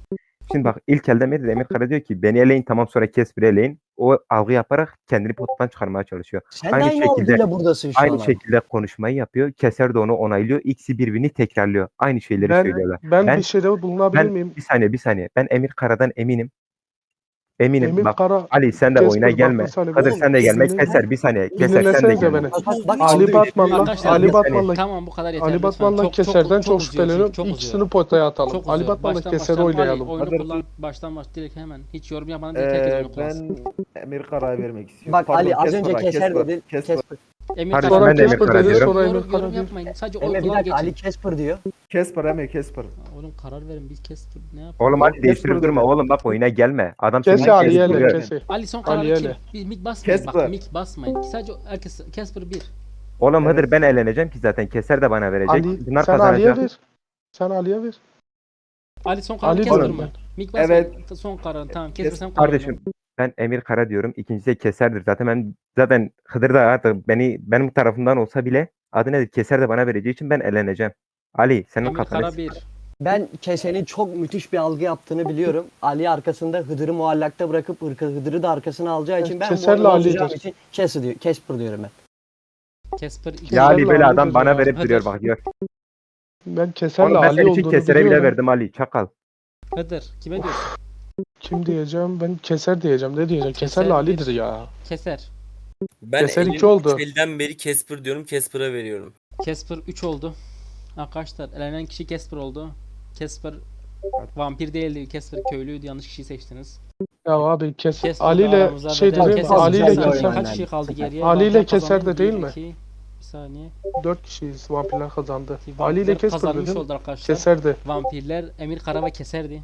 [SPEAKER 5] Şimdi bak ilk elde Emir Kara diyor ki beni eleyin tamam sonra Casper'ı eleyin. O algı yaparak kendini potadan çıkarmaya çalışıyor.
[SPEAKER 1] Sen
[SPEAKER 5] Aynı
[SPEAKER 1] de aynı
[SPEAKER 5] şekilde-
[SPEAKER 1] algıyla buradasın şu
[SPEAKER 5] Aynı
[SPEAKER 1] an.
[SPEAKER 5] şekilde konuşmayı yapıyor. Keser de onu onaylıyor. İkisi birbirini tekrarlıyor. Aynı şeyleri söylüyorlar.
[SPEAKER 2] Ben bir şeyde bulunabilir miyim?
[SPEAKER 5] Bir saniye. Ben Emir Kara'dan eminim. Eminim.
[SPEAKER 2] Emir
[SPEAKER 5] Bak
[SPEAKER 2] Kara
[SPEAKER 5] Ali sen de
[SPEAKER 2] Casper,
[SPEAKER 5] oyuna
[SPEAKER 2] bak
[SPEAKER 5] gelme.
[SPEAKER 2] bir saniye,
[SPEAKER 5] Kadir
[SPEAKER 10] oğlum,
[SPEAKER 5] sen de gelme.
[SPEAKER 10] Casper-
[SPEAKER 5] Keser bir saniye. Keser sen de
[SPEAKER 2] dinlesenize
[SPEAKER 5] gelme.
[SPEAKER 2] beni.
[SPEAKER 1] Bak,
[SPEAKER 2] Ali Batman'la
[SPEAKER 4] Arkadaşlar,
[SPEAKER 2] Ali
[SPEAKER 5] bir saniye.
[SPEAKER 2] Batman'la
[SPEAKER 4] Tamam bu kadar yeterli.
[SPEAKER 2] Ali
[SPEAKER 4] lütfen.
[SPEAKER 2] Batman'la Keser'den çok
[SPEAKER 4] uzuyor,
[SPEAKER 2] şüpheleniyorum.
[SPEAKER 4] çok uzuyor.
[SPEAKER 2] İkisini potaya atalım.
[SPEAKER 4] Çok
[SPEAKER 2] Ali
[SPEAKER 4] uzuyor.
[SPEAKER 2] Batman'la
[SPEAKER 4] Baştan
[SPEAKER 2] Keser'i
[SPEAKER 4] baştan
[SPEAKER 2] oynayalım.
[SPEAKER 4] Ali, oyunu
[SPEAKER 8] Hadi.
[SPEAKER 4] kullan. Baştan direkt hemen. Hiç yorum yapmadan direkt herkes oyunu kullansın.
[SPEAKER 8] Ben Emir Kara'ya vermek istiyorum.
[SPEAKER 1] Bak Ali
[SPEAKER 8] Pardon,
[SPEAKER 1] az önce
[SPEAKER 8] Casper'a,
[SPEAKER 1] keser
[SPEAKER 8] Casper,
[SPEAKER 1] dedin.
[SPEAKER 8] Casper.
[SPEAKER 1] Casper.
[SPEAKER 4] Emir
[SPEAKER 5] Hadi
[SPEAKER 4] Kara-
[SPEAKER 5] ben de Emir
[SPEAKER 2] Casper
[SPEAKER 5] Kara
[SPEAKER 2] dedi,
[SPEAKER 5] diyorum.
[SPEAKER 2] sonra Emir
[SPEAKER 4] Yorum,
[SPEAKER 2] Kara
[SPEAKER 4] yorum
[SPEAKER 2] diyor.
[SPEAKER 4] yapmayın. Sadece
[SPEAKER 1] Emre
[SPEAKER 4] oy
[SPEAKER 1] bir
[SPEAKER 4] kullan
[SPEAKER 1] dakika
[SPEAKER 4] geçin.
[SPEAKER 1] Ali Casper diyor.
[SPEAKER 8] Casper Emir Casper.
[SPEAKER 4] Oğlum karar verin biz Casper ne yapalım?
[SPEAKER 5] Oğlum hadi
[SPEAKER 8] Casper
[SPEAKER 5] değiştirip durma.
[SPEAKER 8] dedi.
[SPEAKER 5] Oğlum bak oyuna gelme. Adam seni
[SPEAKER 2] Kese Ali'ye
[SPEAKER 8] Casper
[SPEAKER 2] ele
[SPEAKER 8] diyor.
[SPEAKER 2] kese.
[SPEAKER 4] Ali son
[SPEAKER 2] Ali
[SPEAKER 4] kararı kim?
[SPEAKER 2] ele.
[SPEAKER 4] Bir mik basmayın.
[SPEAKER 8] Casper.
[SPEAKER 4] Bak mik basmayın. Sadece herkes Casper 1.
[SPEAKER 5] Oğlum
[SPEAKER 8] Evet.
[SPEAKER 5] Hıdır ben eğleneceğim ki zaten. Keser de bana verecek.
[SPEAKER 2] Ali
[SPEAKER 5] Bunlar
[SPEAKER 2] sen Ali'ye
[SPEAKER 5] kazanacak.
[SPEAKER 2] ver. Sen Ali'ye ver.
[SPEAKER 4] Ali son kararı
[SPEAKER 2] Ali
[SPEAKER 4] Casper
[SPEAKER 5] diyorum
[SPEAKER 4] mı?
[SPEAKER 2] ben.
[SPEAKER 4] Mik basmayın.
[SPEAKER 8] Evet.
[SPEAKER 4] Son kararın tamam. Casper sen karar
[SPEAKER 5] Kardeşim ben Emir Kara diyorum. İkincisi de Keser'dir. Zaten Hıdır da artık benim tarafımdan olsa bile adı nedir? Keser de bana vereceği için ben eğleneceğim. Ali senin
[SPEAKER 4] Emir
[SPEAKER 5] kafanı
[SPEAKER 4] Kara
[SPEAKER 5] s-
[SPEAKER 4] 1.
[SPEAKER 1] Ben Kese'nin çok müthiş bir algı yaptığını biliyorum. Ali arkasında Hıdır'ı muallakta bırakıp Hıdır'ı da arkasına alacağı için ben bu
[SPEAKER 2] Keser'le
[SPEAKER 1] oyunu
[SPEAKER 2] Ali'dir.
[SPEAKER 1] bozacağım için Casper diyorum ben.
[SPEAKER 4] Casper 2.
[SPEAKER 5] Ya Ali
[SPEAKER 2] Keser'le
[SPEAKER 5] böyle
[SPEAKER 2] Ali'dir
[SPEAKER 5] adam bana
[SPEAKER 2] ya.
[SPEAKER 5] verip
[SPEAKER 4] Hıdır.
[SPEAKER 5] duruyor bak diyor.
[SPEAKER 2] Ben Keser'le
[SPEAKER 5] Oğlum ben
[SPEAKER 2] Ali
[SPEAKER 5] senin için
[SPEAKER 2] olduğunu
[SPEAKER 5] Keser'e bile
[SPEAKER 2] biliyorum.
[SPEAKER 5] verdim Ali. Çakal.
[SPEAKER 4] Hıdır. Kime diyorsun?
[SPEAKER 2] Kim diyeceğim? Ben Keser diyeceğim. Ne diyeceğim? Keser'le
[SPEAKER 4] Keser
[SPEAKER 2] Ali'dir
[SPEAKER 4] bir.
[SPEAKER 2] ya.
[SPEAKER 4] Keser.
[SPEAKER 10] Ben
[SPEAKER 2] Keser
[SPEAKER 10] elim
[SPEAKER 2] iki oldu.
[SPEAKER 10] elden beri Casper diyorum. Casper'a veriyorum.
[SPEAKER 4] Casper 3 oldu. Arkadaşlar elenen kişi Casper oldu. Casper vampir değildi. Casper köylüydü. Yanlış kişiyi seçtiniz.
[SPEAKER 2] Ya abi
[SPEAKER 4] Casper
[SPEAKER 2] Ali ile
[SPEAKER 4] aramıza
[SPEAKER 2] şey
[SPEAKER 4] veda-
[SPEAKER 2] dedim
[SPEAKER 4] Casper
[SPEAKER 2] Ali ile
[SPEAKER 1] güzel bir
[SPEAKER 2] Keser.
[SPEAKER 1] oyun.
[SPEAKER 4] Kaç kişi kaldı geriye?
[SPEAKER 2] Ali ile
[SPEAKER 4] Vampirler
[SPEAKER 2] Keser de
[SPEAKER 4] kazandı.
[SPEAKER 2] değil
[SPEAKER 4] Bir,
[SPEAKER 2] mi?
[SPEAKER 4] iki, Bir saniye.
[SPEAKER 2] 4 kişiyiz. Vampirler kazandı.
[SPEAKER 4] Vampirler
[SPEAKER 2] Ali ile Kesper
[SPEAKER 4] kazanmış
[SPEAKER 2] dedim.
[SPEAKER 4] oldu arkadaşlar.
[SPEAKER 2] Keser'di.
[SPEAKER 4] Vampirler Emir Kara ve Keser'di.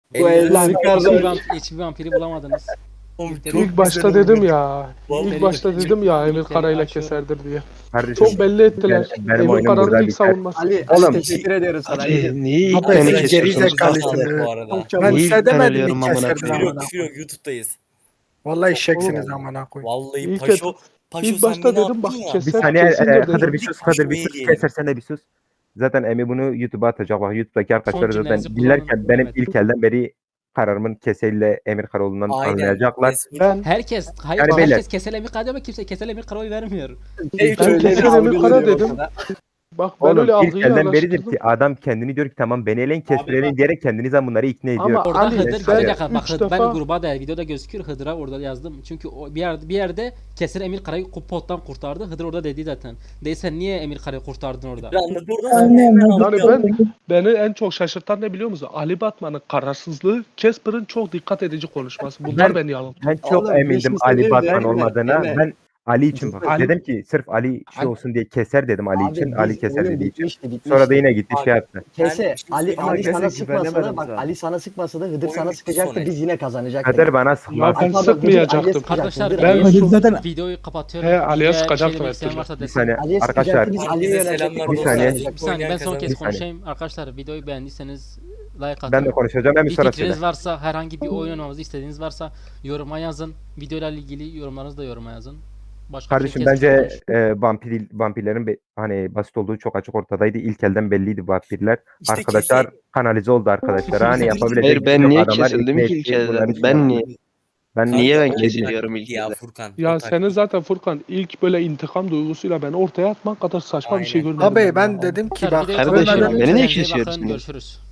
[SPEAKER 4] Hiçbir vampiri bulamadınız.
[SPEAKER 2] İlk başta dedim ya.
[SPEAKER 10] Vallahi
[SPEAKER 2] İlk başta dedim ya Emir Kara ile
[SPEAKER 4] açıyorum.
[SPEAKER 2] Keser'dir diye.
[SPEAKER 5] Kardeşim.
[SPEAKER 2] Çok belli ettiler.
[SPEAKER 5] Benim
[SPEAKER 2] Emir
[SPEAKER 5] oyunum
[SPEAKER 2] Kara'nın
[SPEAKER 5] burada
[SPEAKER 2] ilk
[SPEAKER 5] biter.
[SPEAKER 2] savunması.
[SPEAKER 1] Ali,
[SPEAKER 5] Oğlum,
[SPEAKER 1] teşekkür ediyoruz sana. Ali.
[SPEAKER 6] Abi
[SPEAKER 7] Niye ilk
[SPEAKER 6] sen
[SPEAKER 7] beni
[SPEAKER 6] geri
[SPEAKER 7] kesiyorsunuz?
[SPEAKER 6] zekalısın.
[SPEAKER 10] Bu arada.
[SPEAKER 6] Ben
[SPEAKER 7] Niye
[SPEAKER 6] size
[SPEAKER 7] ilk ben
[SPEAKER 6] demedim
[SPEAKER 7] ölüyorum
[SPEAKER 6] mi
[SPEAKER 7] amına
[SPEAKER 6] Keser'den
[SPEAKER 7] koyayım?
[SPEAKER 10] Küfür
[SPEAKER 6] amına
[SPEAKER 10] yok, küfür yok. YouTube'dayız.
[SPEAKER 6] Vallahi eşeksiniz amına koyayım.
[SPEAKER 10] Vallahi
[SPEAKER 2] İlk
[SPEAKER 10] Paşo, Paşo
[SPEAKER 2] İlk
[SPEAKER 10] sen
[SPEAKER 2] başta
[SPEAKER 10] beni
[SPEAKER 2] dedim bak
[SPEAKER 10] attın ya.
[SPEAKER 5] Bir
[SPEAKER 2] Keser
[SPEAKER 5] saniye
[SPEAKER 2] kesindir dedim.
[SPEAKER 5] Hıdır bir sus. Hıdır bir sus.
[SPEAKER 10] Düşmeyelim.
[SPEAKER 5] Keser sen de bir sus. Zaten Emi bunu YouTube'a atacak. Bak YouTube'daki arkadaşlar zaten
[SPEAKER 4] cümlenizi
[SPEAKER 5] dinlerken
[SPEAKER 4] kullanın.
[SPEAKER 5] benim
[SPEAKER 4] Evet.
[SPEAKER 5] ilk elden beri kararımın Keser'le Emir Kara olduğundan
[SPEAKER 10] Aynen.
[SPEAKER 5] anlayacaklar.
[SPEAKER 10] Casper.
[SPEAKER 2] Ben
[SPEAKER 4] Herkes, hayır
[SPEAKER 5] Yani
[SPEAKER 4] herkes
[SPEAKER 5] beyler.
[SPEAKER 4] Kesel Emir Kara diyor ama kimse Kesel Emir Kara oy vermiyor.
[SPEAKER 2] Ben Keser Emir Kara dedim. Bak ben
[SPEAKER 5] Oğlum
[SPEAKER 2] öyle
[SPEAKER 5] ilk
[SPEAKER 2] algıyı
[SPEAKER 5] elden beridir
[SPEAKER 2] araştırdım.
[SPEAKER 5] ki adam kendini diyor ki tamam beni eleyin Kesper
[SPEAKER 9] Abi
[SPEAKER 5] eleyin
[SPEAKER 9] bak-
[SPEAKER 5] diyerek kendinizden bunları ikna ediyor.
[SPEAKER 2] Ama
[SPEAKER 4] Orada
[SPEAKER 2] Ali,
[SPEAKER 4] Hıdır
[SPEAKER 2] sen
[SPEAKER 4] bir dakika bak
[SPEAKER 2] üç
[SPEAKER 4] Hıdır, ben
[SPEAKER 2] defa-
[SPEAKER 4] gruba da videoda gözüküyor Hıdır'a orada yazdım. Çünkü o bir yerde Keser Emir Kara'yı pottan kurtardı. Hıdır orada dedi zaten. Değilsen niye Emir Kara'yı kurtardın orada?
[SPEAKER 10] Bir anda oradan sonra hemen
[SPEAKER 2] Yani beni en çok şaşırtan ne biliyor musun? Ali Batman'ın kararsızlığı, Casper'ın çok dikkat edici konuşması. Bunlar beni yanılttı.
[SPEAKER 5] Ben çok
[SPEAKER 1] Oğlum, bir
[SPEAKER 5] emindim
[SPEAKER 1] şey
[SPEAKER 5] Ali
[SPEAKER 1] söyleyeyim mi?
[SPEAKER 5] Batman
[SPEAKER 1] Emre,
[SPEAKER 5] olmadığına.
[SPEAKER 1] Emre.
[SPEAKER 5] Ben Ali için bak.
[SPEAKER 2] Ali-
[SPEAKER 5] Dedim ki sırf Ali şey olsun diye Keser dedim Ali için. Ali Keser dediği için. Sonra da yine gitti
[SPEAKER 10] Abi-
[SPEAKER 5] şey yaptı.
[SPEAKER 1] Kese,
[SPEAKER 10] Ben bir şey
[SPEAKER 1] Ali,
[SPEAKER 10] söyleyeyim.
[SPEAKER 1] Ali
[SPEAKER 8] Kese
[SPEAKER 1] sana sıkmasa da
[SPEAKER 8] güvenemedim
[SPEAKER 1] bak
[SPEAKER 8] sana.
[SPEAKER 1] Ali sana sıkmasa da Hıdır
[SPEAKER 10] Oyun
[SPEAKER 1] sana
[SPEAKER 10] bitti
[SPEAKER 1] sıkacaktı
[SPEAKER 10] sonra.
[SPEAKER 1] biz yine kazanacaktık.
[SPEAKER 5] Kader bana
[SPEAKER 2] Ya
[SPEAKER 5] sıkmaz.
[SPEAKER 2] ben
[SPEAKER 1] Pardon,
[SPEAKER 2] sıkmayacaktım.
[SPEAKER 4] Arkadaşlar
[SPEAKER 1] Ben-
[SPEAKER 4] videoyu,
[SPEAKER 7] Hıdır zaten-
[SPEAKER 4] videoyu kapatıyorum.
[SPEAKER 2] He, Ali'ye
[SPEAKER 4] Videoya
[SPEAKER 2] sıkacaktım
[SPEAKER 4] şey demek
[SPEAKER 2] her
[SPEAKER 4] isteyen
[SPEAKER 2] türlü.
[SPEAKER 4] varsa
[SPEAKER 5] Bir
[SPEAKER 4] desin.
[SPEAKER 5] saniye
[SPEAKER 1] Ali'ye
[SPEAKER 5] arkadaşlar.
[SPEAKER 1] sıkacaktı biz Ali'ye
[SPEAKER 10] Herkese
[SPEAKER 1] yönelecektik.
[SPEAKER 10] selamlar
[SPEAKER 5] Bir
[SPEAKER 10] dostlar.
[SPEAKER 5] saniye.
[SPEAKER 4] Bir saniye ben son
[SPEAKER 10] Oynayan
[SPEAKER 4] kez
[SPEAKER 5] Bir saniye.
[SPEAKER 4] konuşayım. Arkadaşlar videoyu beğendiyseniz like atın.
[SPEAKER 5] Ben de konuşacağım. Ben bir
[SPEAKER 4] Bir
[SPEAKER 5] sonra
[SPEAKER 4] fikriniz
[SPEAKER 5] söyle.
[SPEAKER 4] varsa, herhangi bir oyun oynamamızı istediğiniz varsa yoruma yazın. Videoyla ilgili yorumlarınızı da yoruma yazın. Başka bir
[SPEAKER 5] Kardeşim
[SPEAKER 4] şey
[SPEAKER 5] bence
[SPEAKER 4] kesmiş.
[SPEAKER 5] vampirlerin hani basit olduğu çok açık ortadaydı. İlk elden belliydi vampirler.
[SPEAKER 10] İşte
[SPEAKER 5] Arkadaşlar kanalize oldu arkadaşlar. Hani yapabilecek
[SPEAKER 7] Hayır
[SPEAKER 5] bir şey
[SPEAKER 7] ben
[SPEAKER 5] yok.
[SPEAKER 7] niye
[SPEAKER 5] Adamlar
[SPEAKER 7] kesildim
[SPEAKER 5] ikna
[SPEAKER 7] ki
[SPEAKER 5] etti,
[SPEAKER 7] ilk elden?
[SPEAKER 5] bunları şey
[SPEAKER 7] Ben
[SPEAKER 5] yaptı.
[SPEAKER 7] niye?
[SPEAKER 5] Ben
[SPEAKER 7] Niye ben
[SPEAKER 10] O
[SPEAKER 7] kesiliyorum
[SPEAKER 10] taktik
[SPEAKER 7] ilk
[SPEAKER 10] ya
[SPEAKER 7] elden?
[SPEAKER 10] Furkan.
[SPEAKER 2] Ya
[SPEAKER 10] o
[SPEAKER 2] senin
[SPEAKER 10] taktik.
[SPEAKER 2] zaten Furkan ilk böyle intikam duygusuyla beni ortaya atman kadar saçma bir şey
[SPEAKER 10] Aynen.
[SPEAKER 2] görmedim.
[SPEAKER 6] Abi
[SPEAKER 2] ya.
[SPEAKER 6] ben dedim ki bak
[SPEAKER 4] Videoyu
[SPEAKER 7] Kardeşim,
[SPEAKER 4] kapatın.
[SPEAKER 7] beni niye
[SPEAKER 4] Kendinize iyi bakın,
[SPEAKER 7] kesiyorsunuz?
[SPEAKER 4] Görüşürüz.